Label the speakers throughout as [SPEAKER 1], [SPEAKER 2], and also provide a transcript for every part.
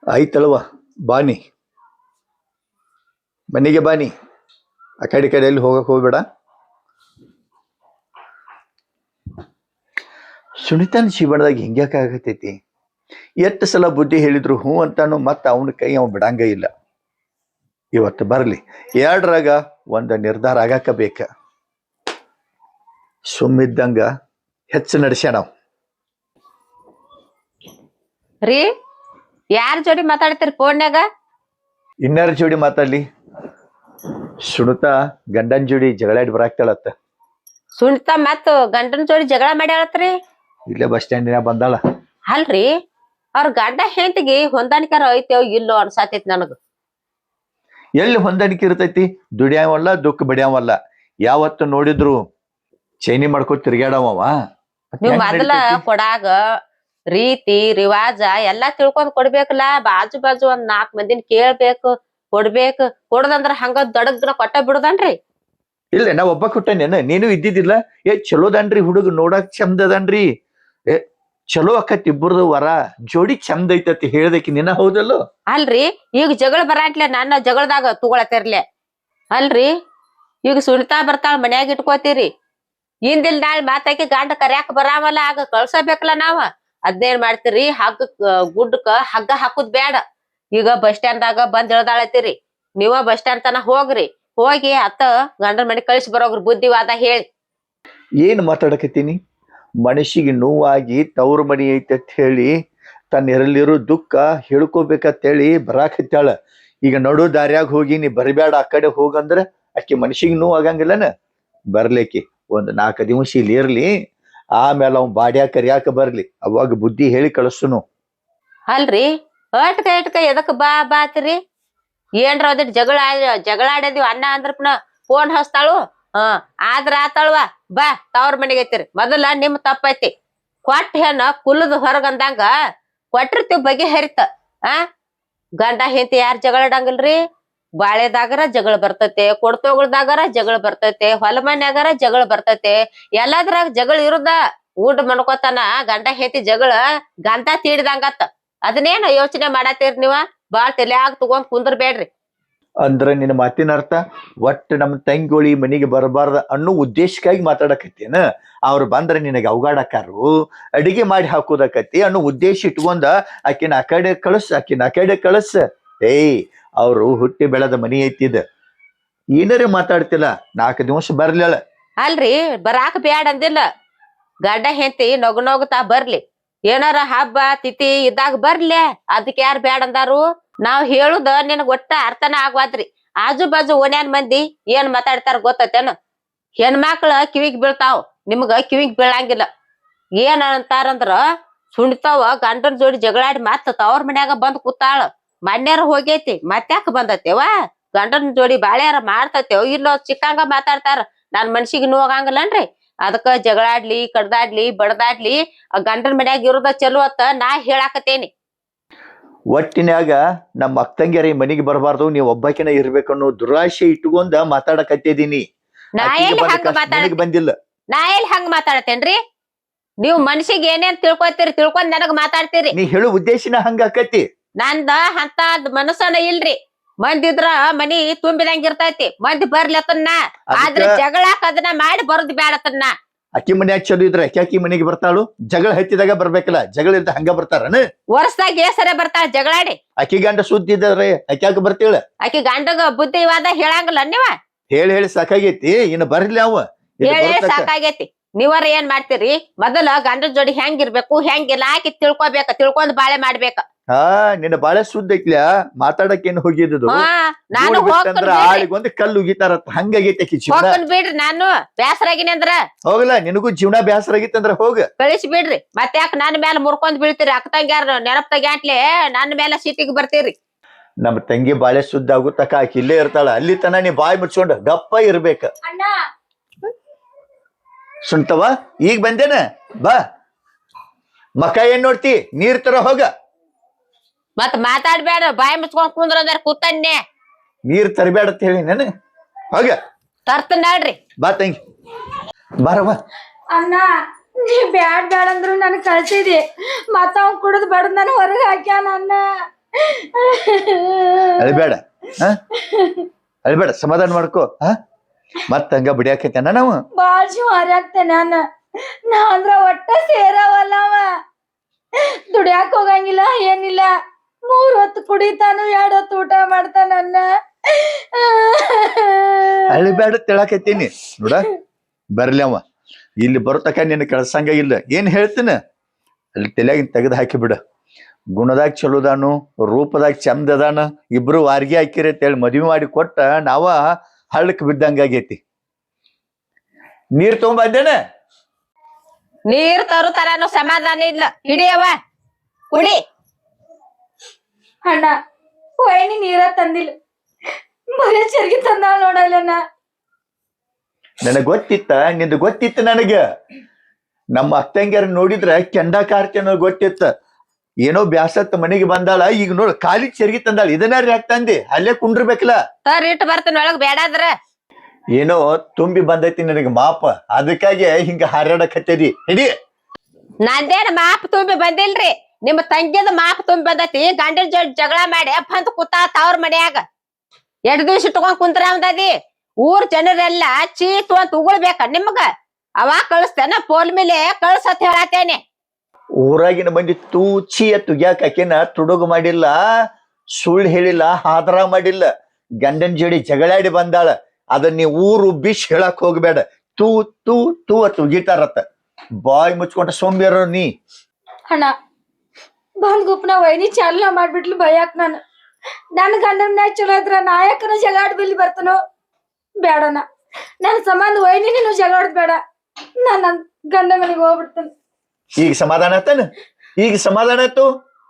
[SPEAKER 1] ಆಯ್ತಲ್ವ ಬಾನಿ ಮನೆಗೆ ಬಾನಿ ಆ ಕಡೆ ಎಲ್ಲಿ ಹೋಗಕ್ ಹೋಗ್ಬೇಡ. ಸುನಿತಾನ ಜೀವನದಾಗ ಹಿಂಗ್ಯಾಕ ಆಗತೈತಿ? ಎಷ್ಟು ಸಲ ಬುದ್ಧಿ ಹೇಳಿದ್ರು ಹ್ಞೂ ಅಂತಾನು ಮತ್ತ ಅವನ ಕೈ ಅವ ಬಿಡಂಗ ಇಲ್ಲ. ಇವತ್ತು ಬರ್ಲಿ ಎರಡರಾಗ ಒಂದು ನಿರ್ಧಾರ ಆಗಾಕ ಬೇಕ. ಸುಮ್ಮಿದ್ದಂಗ ಹೆಚ್ಚು ನಡೆಸ್ಯಾಣ.
[SPEAKER 2] ರೀ ಯಾರ ಜೋಡಿ ಮಾತಾಡ್ತೀರಿ ಫೋನ್ಯಾಗ?
[SPEAKER 1] ಇನ್ನಾರ ಜೋಡಿ ಮಾತಾಡ್ಲಿ? ಸುನಿತಾ ಗಂಡನ ಜೋಡಿ ಜಗಳಾಡಿ ಬರಾಕ್ತಾಳತ್ತ.
[SPEAKER 2] ಸುನಿತಾ ಮತ್ ಗಂಡನ ಜೋಡಿ ಜಗಳ ಮಾಡ್ಯಾಳತ್ರಿ?
[SPEAKER 1] ಇಲ್ಲೇ ಬಸ್ ಸ್ಟ್ಯಾಂಡಿನ ಬಂದಾಳ.
[SPEAKER 2] ಅಲ್ರಿ ಅವ್ರ ಗಂಡ ಹೆಂಡತಿಗೆ ಹೊಂದಾಣಿಕಾರ ಐತೋ ಇಲ್ಲೋ ಅನ್ಸಾತೈತಿ ನನಗ.
[SPEAKER 1] ಎಲ್ಲಿ ಹೊಂದಾಣಿಕೆ ಇರ್ತೈತಿ? ದುಡಿಯಾವಲ್ಲ ದುಃಖ ಬಡಿಯಾವಲ್ಲ. ಯಾವತ್ತು ನೋಡಿದ್ರು ಚೈನಿ ಮಾಡ್ಕೊತ ತಿರ್ಗ್ಯಾಡವ.
[SPEAKER 2] ನೀವ್ ಮೊದಲ ಕೊಡಾಗ ರೀತಿ ರಿವಾಜ ಎಲ್ಲಾ ತಿಳ್ಕೊಂಡ್ ಕೊಡ್ಬೇಕಲ್ಲ. ಬಾಜು ಬಾಜು ಒಂದ್ 4 ಮಂದಿನ ಕೇಳ್ಬೇಕು, ಕೊಡ್ಬೇಕು. ಕೊಡದಂದ್ರ ಹಂಗ ದಡಗ್ನ ಕೊಟ್ಟ ಬಿಡುದನ್ರಿ?
[SPEAKER 1] ಇಲ್ಲ ನಾ ಒಬ್ಬ ಕೊಟ್ಟನೇನ, ನೀನು ಇದ್ದಿದ್ದಿಲ್ಲ. ಚಲೋದನ್ರಿ ಹುಡುಗ, ನೋಡಕ್ ಚಂದ ಅದನ್ರಿ. ಚಲೋ ಅಕ್ಕತ್ ಇಬ್ಬರದು ವರ ಜೋಡಿ ಚಂದ ಐತತಿ ಹೇಳ್ದಕಿ ನಿನ್ನ ಹೌದಲ್ಲೋ?
[SPEAKER 2] ಅಲ್ರಿ ಈಗ ಜಗಳ ಬರಾಟ್ಲೆ ನನ್ನ ಜಗಳದಾಗ ತಗೊಳತಿರ್ಲೆ ಅಲ್ರಿ. ಈಗ ಸುನಿತಾ ಬರ್ತಾಳ ಮನ್ಯಾಗ ಇಟ್ಕೋತೀರಿ, ಇಂದಿಲ್ ನಾಳೆ ಮಾತಾಕಿ ಗಂಡ ಕರ್ಯಾಕ ಬರಾವಲ್ಲ, ಆಗ ಕಳ್ಸಬೇಕಲ್ಲ ನಾವ. ಅದ್ನೇನ್ ಮಾಡ್ತೀರಿ? ಗುಡ್ಡಕ್ಕ ಹಗ್ಗ ಹಾಕುದ್ ಬ್ಯಾಡ. ಈಗ ಬಸ್ ಸ್ಟ್ಯಾಂಡ್ದಾಗ ಬಂದ್ ಇಳ್ದಾಳತ್ತೀರಿ, ನೀವ ಬಸ್ ಸ್ಟ್ಯಾಂಡ್ ತನ ಹೋಗ್ರಿ. ಹೋಗಿ ಅತ್ತ ಗಂಡನ ಮನೆ ಕಳಿಸಿ ಬರೋಗ್ರಿ ಬುದ್ಧಿವಾದ ಹೇಳಿ.
[SPEAKER 1] ಏನ್ ಮಾತಾಡಕತ್ತೀನಿ? ಮನಸ್ಸಿಗೆ ನೋವಾಗಿ ತವ್ರ ಮನಿ ಐತೆ ಹೇಳಿ ತನ್ನ ಎರಲಿರೋ ದುಃಖ ಹೇಳ್ಕೋಬೇಕಂತೇಳಿ ಬರಾಕತ್ತಾಳ. ಈಗ ನಡು ದಾರ್ಯಾಗ ಹೋಗಿ ನೀ ಬರಬೇಡ ಆ ಕಡೆ ಹೋಗಂದ್ರ ಆಕಿ ಮನಸ್ಸಿಗೆ ನೋವು ಆಗಂಗಿಲ್ಲನ? ಬರ್ಲಿಕ್ಕೆ ಒಂದ್ 4 ದಿವಸ ಇಲ್ಲಿ ಇರ್ಲಿ, ಆಮೇಲೆ ಅವ್ ಬಾಡ್ಯಾಕ ಕರಿಯಾಕ ಬರ್ಲಿ, ಅವಾಗ ಬುದ್ಧಿ ಹೇಳಿ ಕಳಿಸುನು.
[SPEAKER 2] ಅಲ್ರಿ ಅಟ್ಕ ಎದಕ್ ಬಾ ಬಾತ್ರಿ? ಏನ್ರ ಅದಿಟ್ ಜಗಳ ಆಡದಿವ್ ಅನ್ನ ಅಂದ್ರಪ್ನ ಫೋನ್ ಹಚ್ತಾಳು. ಆದ್ರ ಆತಾಳ್ವಾ ಬಾ ತವ್ರ ಮನೆಗೆ ಐತಿರಿ. ಮೊದಲ ನಿಮ್ ತಪ್ಪೈತಿ. ಕೊಟ್ಟ ಹೆಣ್ಣ ಕುಲದ ಹೊರಗಂದಂಗ ಕೊಟ್ಟಿರ್ತಿವ್ ಬಗೆ ಹರಿತ. ಗಂಡ ಹೆಂಡತಿ ಯಾರು ಜಗಳ ಆಡಂಗಿಲ್ರಿ? ಬಾಳೆದಾಗರ ಜಗಳ ಬರ್ತೈತೆ, ಕೊಡ್ತೋಗಳ್ದಾಗರ ಜಗಳ ಬರ್ತೈತೆ, ಹೊಲ ಮನ್ಯಾಗರ ಜಗಳ ಬರ್ತೈತೆ, ಎಲ್ಲದ್ರಾಗ ಜಗಳ ಇರುದ. ಊಟ ಮಾಡ್ಕೋತಾನ ಗಂಡ ಹೆಂಡತಿ ಜಗಳ ಗಂಧ ತೀಡಿದಂಗತ್ತ. ಅದನ್ನೇನು ಯೋಚನೆ ಮಾಡತ್ತೀರಿ ನೀವ? ಬಾಳ್ ತಲ್ಯಾಗ ತಗೊಂಡ್ ಕುಂದ್ರಬೇಡ್ರಿ.
[SPEAKER 1] ಅಂದ್ರ ನಿನ್ನ ಮಾತಿನ ಅರ್ಥ ಒಟ್ಟು ನಮ್ಮ ತಂಗಿಗೋಳಿ ಮನೆಗೆ ಬರಬಾರ್ದ ಅನ್ನೋ ಉದ್ದೇಶಕ್ಕಾಗಿ ಮಾತಾಡಕತ್ತೇನ? ಅವ್ರು ಬಂದ್ರೆ ನಿನಗೆ ಅವಗಾಡಕಾರು ಅಡಿಗೆ ಮಾಡಿ ಹಾಕೋದಕತಿ ಅನ್ನೋ ಉದ್ದೇಶ ಇಟ್ಕೊಂಡ ಆಕಿನ ಆ ಕಡೆ ಕಳಸ್. ಅವ್ರು ಹುಟ್ಟಿ ಬೆಳೆದ ಮನಿ ಐತಿದ. ಏನಾರೇ ಮಾತಾಡ್ತಿಲ್ಲ, 4 ದಿವಸ ಬರ್ಲಿಲ್ಲ.
[SPEAKER 2] ಅಲ್ರಿ ಬರಾಕ ಬ್ಯಾಡ ಅಂದಿಲ್ಲ. ಗಂಡ ಹೆಂಡತಿ ನಗುತ್ತಾ ಬರ್ಲಿ. ಏನಾರ ಹಬ್ಬ ತಿಥಿ ಇದ್ದಾಗ ಬರ್ಲಿ, ಅದಕ್ಕೆ ಯಾರು ಬ್ಯಾಡ ಅಂದಾರು? ನಾವ್ ಹೇಳುದ ನಿನಗ್ ಒಟ್ಟ ಅರ್ಥನ ಆಗ್ವಾದ್ರಿ. ಆಜು ಬಾಜು ಓಣ್ಯಾನ್ ಮಂದಿ ಏನ್ ಮಾತಾಡ್ತಾರ ಗೊತ್ತೇನ? ಹೆಣ್ಮಕ್ಳ ಕಿವಿಗ್ ಬೀಳ್ತಾವ್, ನಿಮ್ಗ ಕಿವಿಗ್ ಬೀಳಂಗಿಲ್ಲ. ಏನ್ ಅಂತಾರಂದ್ರ ಸುಣಿತಾವ ಗಂಡನ ಜೋಡಿ ಜಗಳಾಡಿ ಮತ್ತ ತವ್ರ ಮನ್ಯಾಗ ಬಂದ್ ಕೂತಾಳ. ಮನ್ಯಾರ ಹೋಗೈತಿ ಮತ್ತ್ಯಾಕ ಬಂದತೇವ? ಗಂಡನ ಜೋಡಿ ಬಾಳ್ಯಾರ ಮಾಡ್ತತೇವ್ ಇಲ್ಲೋ ಚಿಕ್ಕಂಗ ಮಾತಾಡ್ತಾರ. ನಾನ್ ಮನ್ಸಿಗೆ ನೋವಾಗಂಗಿಲ್ಲನ್ರಿ? ಅದಕ್ಕ ಜಗಳಾಡ್ಲಿ ಕಡ್ದಾಡ್ಲಿ ಬಡದಾಡ್ಲಿ ಗಂಡನ ಮನ್ಯಾಗ ಇರೋದ ಚಲೋ ಅತ್ತ ನಾ ಹೇಳಾಕತೇನಿ.
[SPEAKER 1] ಒಟ್ಟಿನ್ಯಾಗ ನಮ್ಮ ಅಕ್ಕಂಗ್ಯಾರ ಈ ಮನಿಗೆ ಬರಬಾರ್ದು, ನೀವ್ ಒಬ್ಬಾಕಿನ ಇರ್ಬೇಕನ್ನೋ ದುರಾಶೆ ಇಟ್ಕೊಂಡ ಮಾತಾಡಕತ್ತಿದೀನಿ.
[SPEAKER 2] ನಾ ಎಲ್ಲಿ
[SPEAKER 1] ಬಂದಿಲ್ಲ.
[SPEAKER 2] ನಾ ಎಲ್ಲಿ ಹಂಗ ಮಾತಾಡತೇನ್ರಿ? ನೀವ್ ಮನ್ಸಿಗೆ ಏನೇನ್ ತಿಳ್ಕೊಂಡ್ ನನಗ್ ಮಾತಾಡ್ತೀರಿ.
[SPEAKER 1] ನೀ ಹೇಳು ಉದ್ದೇಶನ ಹಂಗ ಆಕತಿ.
[SPEAKER 2] ನಂದ ಅಂತ ಮನಸ್ಸನ ಇಲ್ರಿ. ಮಂದಿದ್ರ ಮನಿ ತುಂಬಿದಂಗ ಇರ್ತೈತಿ, ಮಂದಿ ಬರ್ಲತ್ತನ್ನ. ಆದ್ರೆ ಜಗಳಾಕ ಅದನ್ನ ಮಾಡಿ ಬರುದ್ ಬ್ಯಾಡತನ್ನ.
[SPEAKER 1] ಅಕ್ಕಿ ಮನ್ಯಾಗ ಚಲೋ ಇದ್ರ ಅಕ್ಕಿ ಮನೆಗೆ ಬರ್ತಾಳು? ಜಗಳ ಹತ್ತಿದಾಗ ಬರ್ಬೇಕಲ್ಲ, ಜಗಳ ಇದ್ದ ಹಂಗ ಬರ್ತಾರನ?
[SPEAKER 2] ವರ್ಷದಾಗ ಏಸರೆ ಬರ್ತಾಳ ಜಗಳಾಡಿ.
[SPEAKER 1] ಅಕ್ಕಿ ಗಂಡ ಸುದ್ದಿ ಇದ್ರೆ ಅಕ್ಯಾಕ ಬರ್ತೀಳ?
[SPEAKER 2] ಆಕಿ ಗಂಡಗ ಬುದ್ಧಿವಾದ ಹೇಳಂಗಿಲ್ಲ ನೀವ?
[SPEAKER 1] ಹೇಳಿ ಸಾಕಾಗೈತಿ, ಇನ್ನು ಬರ್ಲಿ ಅವ.
[SPEAKER 2] ಹೇಳಿ ಸಾಕಾಗೈತಿ. ನೀವರ ಏನ್ ಮಾಡ್ತೀರಿ? ಮೊದಲ ಗಂಡನ ಜೋಡಿ ಹೆಂಗಿರ್ಬೇಕು ಹೆಂಗಿಲ್ಲ ಆಕಿ ತಿಳ್ಕೊಂಡ್ ಬಾಳೆ ಮಾಡ್ಬೇಕ.
[SPEAKER 1] ನಿನ್ನ ಬಾಳೆ ಸುದ್ದ ಐತ್ಲ್ಯಾ, ಮಾತಾಡಕ್ ಏನ್ ಹೋಗಿದ್ದು?
[SPEAKER 2] ನಾನು
[SPEAKER 1] ಆಳಿಗೊಂದು ಕಲ್ಲು ಉಗಿತಾರತ್ತ ಹಂಗಾಗೈತಿ
[SPEAKER 2] ಬಿಡ್ರಿ. ನಾನು ಬ್ಯಾಸರಾಗಿನಿ ಅಂದ್ರ
[SPEAKER 1] ಹೋಗಲ್ಲ. ನಿನಗೂ ಜೀವನ ಬ್ಯಾಸರ ಆಗಿತ್ತಂದ್ರ ಹೋಗ
[SPEAKER 2] ಕಳಿಸಿ ಬಿಡ್ರಿ. ಮತ್ತೆ ಯಾಕೆ ನನ್ನ ಮೇಲೆ ಮುರ್ಕೊಂಡ್ ಬೀಳ್ತೀರಿ? ಅಕ್ಕ ತಂಗ್ಯಾರ ನೆನಪ್ ತಗ್ಯಾಟ್ಲೆ ನನ್ನ ಮೇಲೆ ಸಿಟಿಗೆ ಬರ್ತೀರಿ.
[SPEAKER 1] ನಮ್ಮ ತಂಗಿ ಬಾಳೆ ಸುದ್ದ ಆಗುತ್ತಕ ಆಕಿ ಇಲ್ಲೇ ಇರ್ತಾಳ. ಅಲ್ಲಿ ತನ ನೀ ಬಾಯಿ ಮುಚ್ಕೊಂಡು ಗಪ್ಪ ಇರ್ಬೇಕ. ಸುಂಟವ ಈಗ ಬಂದೇನ? ಬಾ ಮಕ ಏನ್ ನೋಡ್ತಿ? ನೀರ್ ತರ ಹೋಗ.
[SPEAKER 2] ಮತ್ ಮಾತಾಡ್ಬೇಡ, ಬಾಯಿ ಮುಚ್ಕೊಂಡ್ ಕುಂದ್ರ ಕೂತನ್ನೆ.
[SPEAKER 1] ನೀರ್ ತರಬೇಡ ಅಂತ ಹೇಳಿ ನಾನು ಹೋಗ.
[SPEAKER 2] ತರ್ತ ನೋಡ್ರಿ.
[SPEAKER 1] ಬಾ ತಂಗಿ ಬಾರವ.
[SPEAKER 3] ಅಣ್ಣ ನೀ ಬ್ಯಾಡ್ ಅಂದ್ರು ನನ್ ಕಳ್ಸಿದಿ, ಮತ್ತ ಅವ್ನ್ ಕುಡಿದ್ ಬಡದ್ ನನ್ ಹೊರಗೆ ಹಾಕ್ಯಾನ. ಅಣ್ಣ
[SPEAKER 1] ಅಳ್ಬೇಡ ಹ ಅಳ್ಬೇಡ, ಸಮಾಧಾನ ಮಾಡ್ಕೋ. ಮತ್ತ ಹಂಗ ಬಿಡಿಯಾಕೈತೇನ ನಾವು?
[SPEAKER 3] ಬಾಳ್ ಶಿವಾರಿ ಆಗ್ತೇನೆ ನಾ ಅಂದ್ರ ಒಟ್ಟ ಸೇರವಲ್ಲವ. ದುಡಿಯಾಕ ಹೋಗಂಗಿಲ್ಲ ಏನಿಲ್ಲ. 3 ಹೊತ್ತು ಕುಡಿತಾನು, 2 ಹೊತ್ತು ಊಟ ಮಾಡ್ತಾನ.
[SPEAKER 1] ಅಳ್ಬೇಡ ತಿಳಾಕೈತೀನಿ ನೋಡ. ಬರ್ಲಿ ಅವ ಇಲ್ಲಿ ಬರೋತಕ ನಿನ್ನ ಕಳ್ಸಂಗ ಇಲ್ಲ. ಏನ್ ಹೇಳ್ತೀನ ಅಲ್ಲಿ ತಲೆಯಾಗಿನ್ ತೆಗೆದು ಹಾಕಿ ಬಿಡ. ಗುಣದಾಗ ಚಲೋದಾನು, ರೂಪದಾಗ ಚಂದ ಅದಾನ, ಇಬ್ರು ವಾರ್ಗಿ ಹಾಕಿರಿ ಅಂತೇಳಿ ಮದ್ವಿ ಮಾಡಿ ಕೊಟ್ಟ ನಾವ ಹಳ್ಳಕ್ ಬಿದ್ದಂಗಾಗೈತಿ. ನೀರ್ ತಗೊಂಬಂದೇನ?
[SPEAKER 2] ನೀರ್ ತರುತ್ತಾರ ಸಮಾಧಾನ ಇಲ್ಲ. ಹಿಡಿಯವ ಕುಡಿ.
[SPEAKER 3] ಅಣ್ಣ ವೈನಿ ನೀರ ತಂದಿಲ್ಲ, ಬರೀ ಚರ್ಗಿ ತಂದಾಳ ನೋಡಲ್ಲಣ್ಣ.
[SPEAKER 1] ನನಗ್ ಗೊತ್ತಿತ್ತ, ನಿಂದು ಗೊತ್ತಿತ್ತು ನನಗ. ನಮ್ಮ ಅತ್ತಂಗ್ಯಾರ ನೋಡಿದ್ರ ಕೆಂಡ ಕಾರ್ತಿ ಗೊತ್ತಿತ್ತ. ಏನೋ ಬ್ಯಾಸತ್ ಮನೆಗೆ ಬಂದಾಳ, ಈಗ ನೋಡ್ ಕಾಲಿಗೆ ಚರ್ಗಿ ತಂದಾಳ. ಇದನ್ನಾರ ಯಾಕೆ ತಂದಿ? ಅಲ್ಲೇ ಕುಂಡ್ರಬೇಕಲ್ಲ.
[SPEAKER 2] ತರ್ ಇಟ್ಟು ಬರ್ತೀನಿ ಒಳಗ್ ಬೇಡಾದ್ರ.
[SPEAKER 1] ಏನೋ ತುಂಬಿ ಬಂದೈತಿ ನನಗೆ ಮಾಪ, ಅದಕ್ಕಾಗಿ ಹಿಂಗ ಹಾರಾಡಕತ್ತದಿ. ಹಿಡಿ.
[SPEAKER 2] ನಂದೇನ ಮಾಪ್ ತುಂಬಿ ಬಂದಿಲ್ರಿ, ನಿಮ್ಮ ತಂಗಿದ ಮಾಪ್ ತುಂಬಿ ಬಂದೈತಿ. ಗಂಡನ ಜೋಡಿ ಜಗಳ ಮಾಡಿ ಅಪ್ಪ ಅಂತ ಕೂತಾತ ಅವ್ರ ಮನ್ಯಾಗ. 2 ದಿವ್ಸ ಇಟ್ಕೊಂಡ್ ಕುಂತ್ರ ಅಂದದಿ. ಊರ್ ಜನರೆಲ್ಲ ಚೀತು ಅಂತ ಉಗುಳ್ಬೇಕ ನಿಮ್ಗ. ಅವಾಗ ಕಳಿಸ್ತೇನ ಪೋಲ್ ಮೇಲೆ ಕಳ್ಸತ್ ಹೇಳತ್ತೇನೆ.
[SPEAKER 1] ಊರಾಗಿನ ಮಂದಿ ತೂಚಿ ತುಗ್ಯಾಕ ಆಕೆನ ತುಡುಗು ಮಾಡಿಲ್ಲ, ಸುಳ್ಳು ಹೇಳಿಲ್ಲ, ಹಾದ್ರ ಮಾಡಿಲ್ಲ. ಗಂಡನ ಜೋಡಿ ಜಗಳಾಡಿ ಬಂದಾಳ. ಅದನ್ನ ನೀ ಊರು ಬಿಶ್ ಹೇಳಕ್ ಹೋಗ್ಬೇಡ. ತೂ ತೂ ತೂ ತುಗಿತಾರತ್ತ. ಬಾಯ್ ಮುಚ್ಕೊಂಡ ಸೋಂಬೇರ ನೀ.
[SPEAKER 3] ಅಣ್ಣ ಬಂದ್ ಗುಪ್ನ ವೈನಿ ಚಾಲನ ಮಾಡ್ಬಿಟ್ಲು ಭಯಾಕ್. ನನ್ ಗಂಡನ ಮ್ಯಾಗ ಚಲೋ ಇದ್ರ ನಾಯಕನ ಜಗಾಡ್ ಬಿಲ್ಲಿ ಬರ್ತಾನೋ ಬೇಡಣ್ಣ. ನನ್ ಸಂಬಂಧ ವೈನಿ ನೀನು ಜಗಾಡೋದ್ ಬೇಡ. ನನ್ ಗಂಡ ಮನೆಗೆ ಹೋಗ್ಬಿಡ್ತಾನ.
[SPEAKER 1] ಈಗ ಸಮಾಧಾನ ಆತನ? ಈಗ ಸಮಾಧಾನ ಆಯ್ತು?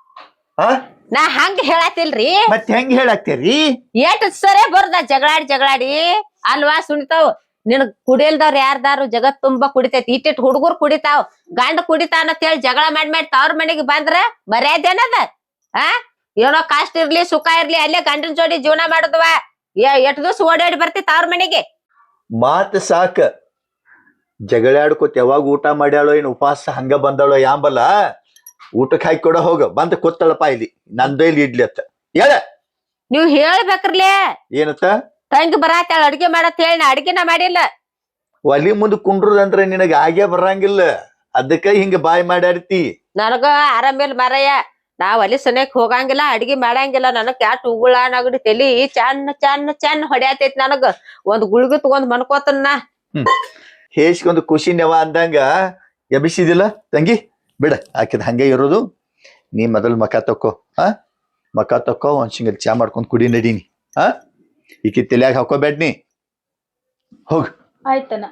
[SPEAKER 2] ನಾ ಹಂಗ ಹೇಳತ್ತಿಲ್ರಿ.
[SPEAKER 1] ಮತ್ ಹೆಂಗ್ ಹೇಳಾಕ್ತೇರಿ?
[SPEAKER 2] ಏಟ್ ಸರಿ ಬರ್ದ ಜಗಳಾಡಿ ಅಲ್ವಾ ಸುನಿತಾವ್. ನಿನ್ ಕುಡಿಯಲ್ದವ್ರ ಯಾರ್ದಾರು ಜಗತ್ ತುಂಬಾ ಕುಡಿತೈತಿ. ಇಟ್ಟಿಟ್ ಹುಡುಗರು ಕುಡಿತಾವ್, ಗಂಡ ಕುಡಿತಾನ ಅಂತ ಹೇಳಿ ಜಗಳ ಮಾಡಿ ತವ್ರ ಮನೆಗೆ ಬಂದ್ರ ಮರ್ಯಾದೆ ಏನದ? ಏನೋ ಕಾಸ್ಟ್ ಇರ್ಲಿ ಸುಖ ಇರ್ಲಿ ಅಲ್ಲೇ ಗಂಡನ ಜೋಡಿ ಜೀವನ ಮಾಡುದವ. 8 ದಿವ್ಸ ಓಡಾಡಿ ಬರ್ತಿತ್ತ ಅವ್ರ ಮನೆಗೆ.
[SPEAKER 1] ಮಾತ್ ಸಾಕ. ಜಗಳಾಡ್ಕೋತ ಯಾವಾಗ ಊಟ ಮಾಡ್ಯಾಳೋ ಏನ್ ಉಪವಾಸ ಹಂಗ ಬಂದಾಳೋ ಯಾಂಬಲ್ಲ. ಊಟಕ್ಕೆ ಹಾಕಿ ಕೊಡ ಹೋಗ. ಬಂದ ಕೂತಳಪ್ಪ ಇಲ್ಲಿ ನಂದೈಲಿ ಇಡ್ಲಿ ಅತ್ತ ಹೇಳ.
[SPEAKER 2] ನೀವ್ ಹೇಳ್ಬೇಕ್ರಲೇ.
[SPEAKER 1] ಏನತ್ತ?
[SPEAKER 2] ತಂಗಿ ಬರಾತಾಳ ಅಡ್ಗೆ ಮಾಡತ್ ಹೇಳಿ ನಾ ಅಡ್ಗೆನ ಮಾಡಿಲ್ಲ.
[SPEAKER 1] ಒಲಿ ಮುಂದ್ ಕುಂಡ್ರದಂದ್ರ ನಿನಗ ಆಗೇ ಬರಂಗಿಲ್ಲ. ಅದಕ್ಕ ಹಿಂಗ ಬಾಯ್ ಮಾಡ್ಯಾಡ್ತಿ.
[SPEAKER 2] ನನಗ ಆರಾಮಿಲ್ ಮರಯ್ಯ. ನಾ ಒಲಿ ಸನೇಕ್ ಹೋಗಂಗಿಲ್ಲ, ಅಡ್ಗಿ ಮಾಡಂಗಿಲ್ಲ. ನನಗ್ ಕ್ಯಾಟ್ ಉಗುಳ ನಗಡಿ ತಲಿ ಚನ್ನ ಹೊಡ್ಯಾತೈತಿ. ನನಗ ಒಂದ್ ಗುಳ್ಗಿ ತಗೊಂಡ್ ಮನ್ಕೋತನ.
[SPEAKER 1] ಹೇಸ್ಕೊಂದು ಖುಷಿ ನೆವ ಅಂದಂಗ ಎಬಿಸಿದಿಲ್ಲ ತಂಗಿ. ಬಿಡ, ಆಕಿದ ಹಂಗೆ ಇರೋದು. ನೀ ಮೊದಲ್ ಮಕ ತಕ್ಕೋ. ಮಕ ತಕ್ಕೋ, ಒಂದ್ ಸಿಂಗಲ್ ಚಾ ಮಾಡ್ಕೊಂಡ್ ಕುಡಿ ನಡೀನಿ. ಈಕಿ ತಲ್ಯಾಗ ಹಾಕೋಬೇಡ ನೀ. ಹೋಗ್.
[SPEAKER 3] ಆಯ್ತಣ್ಣ.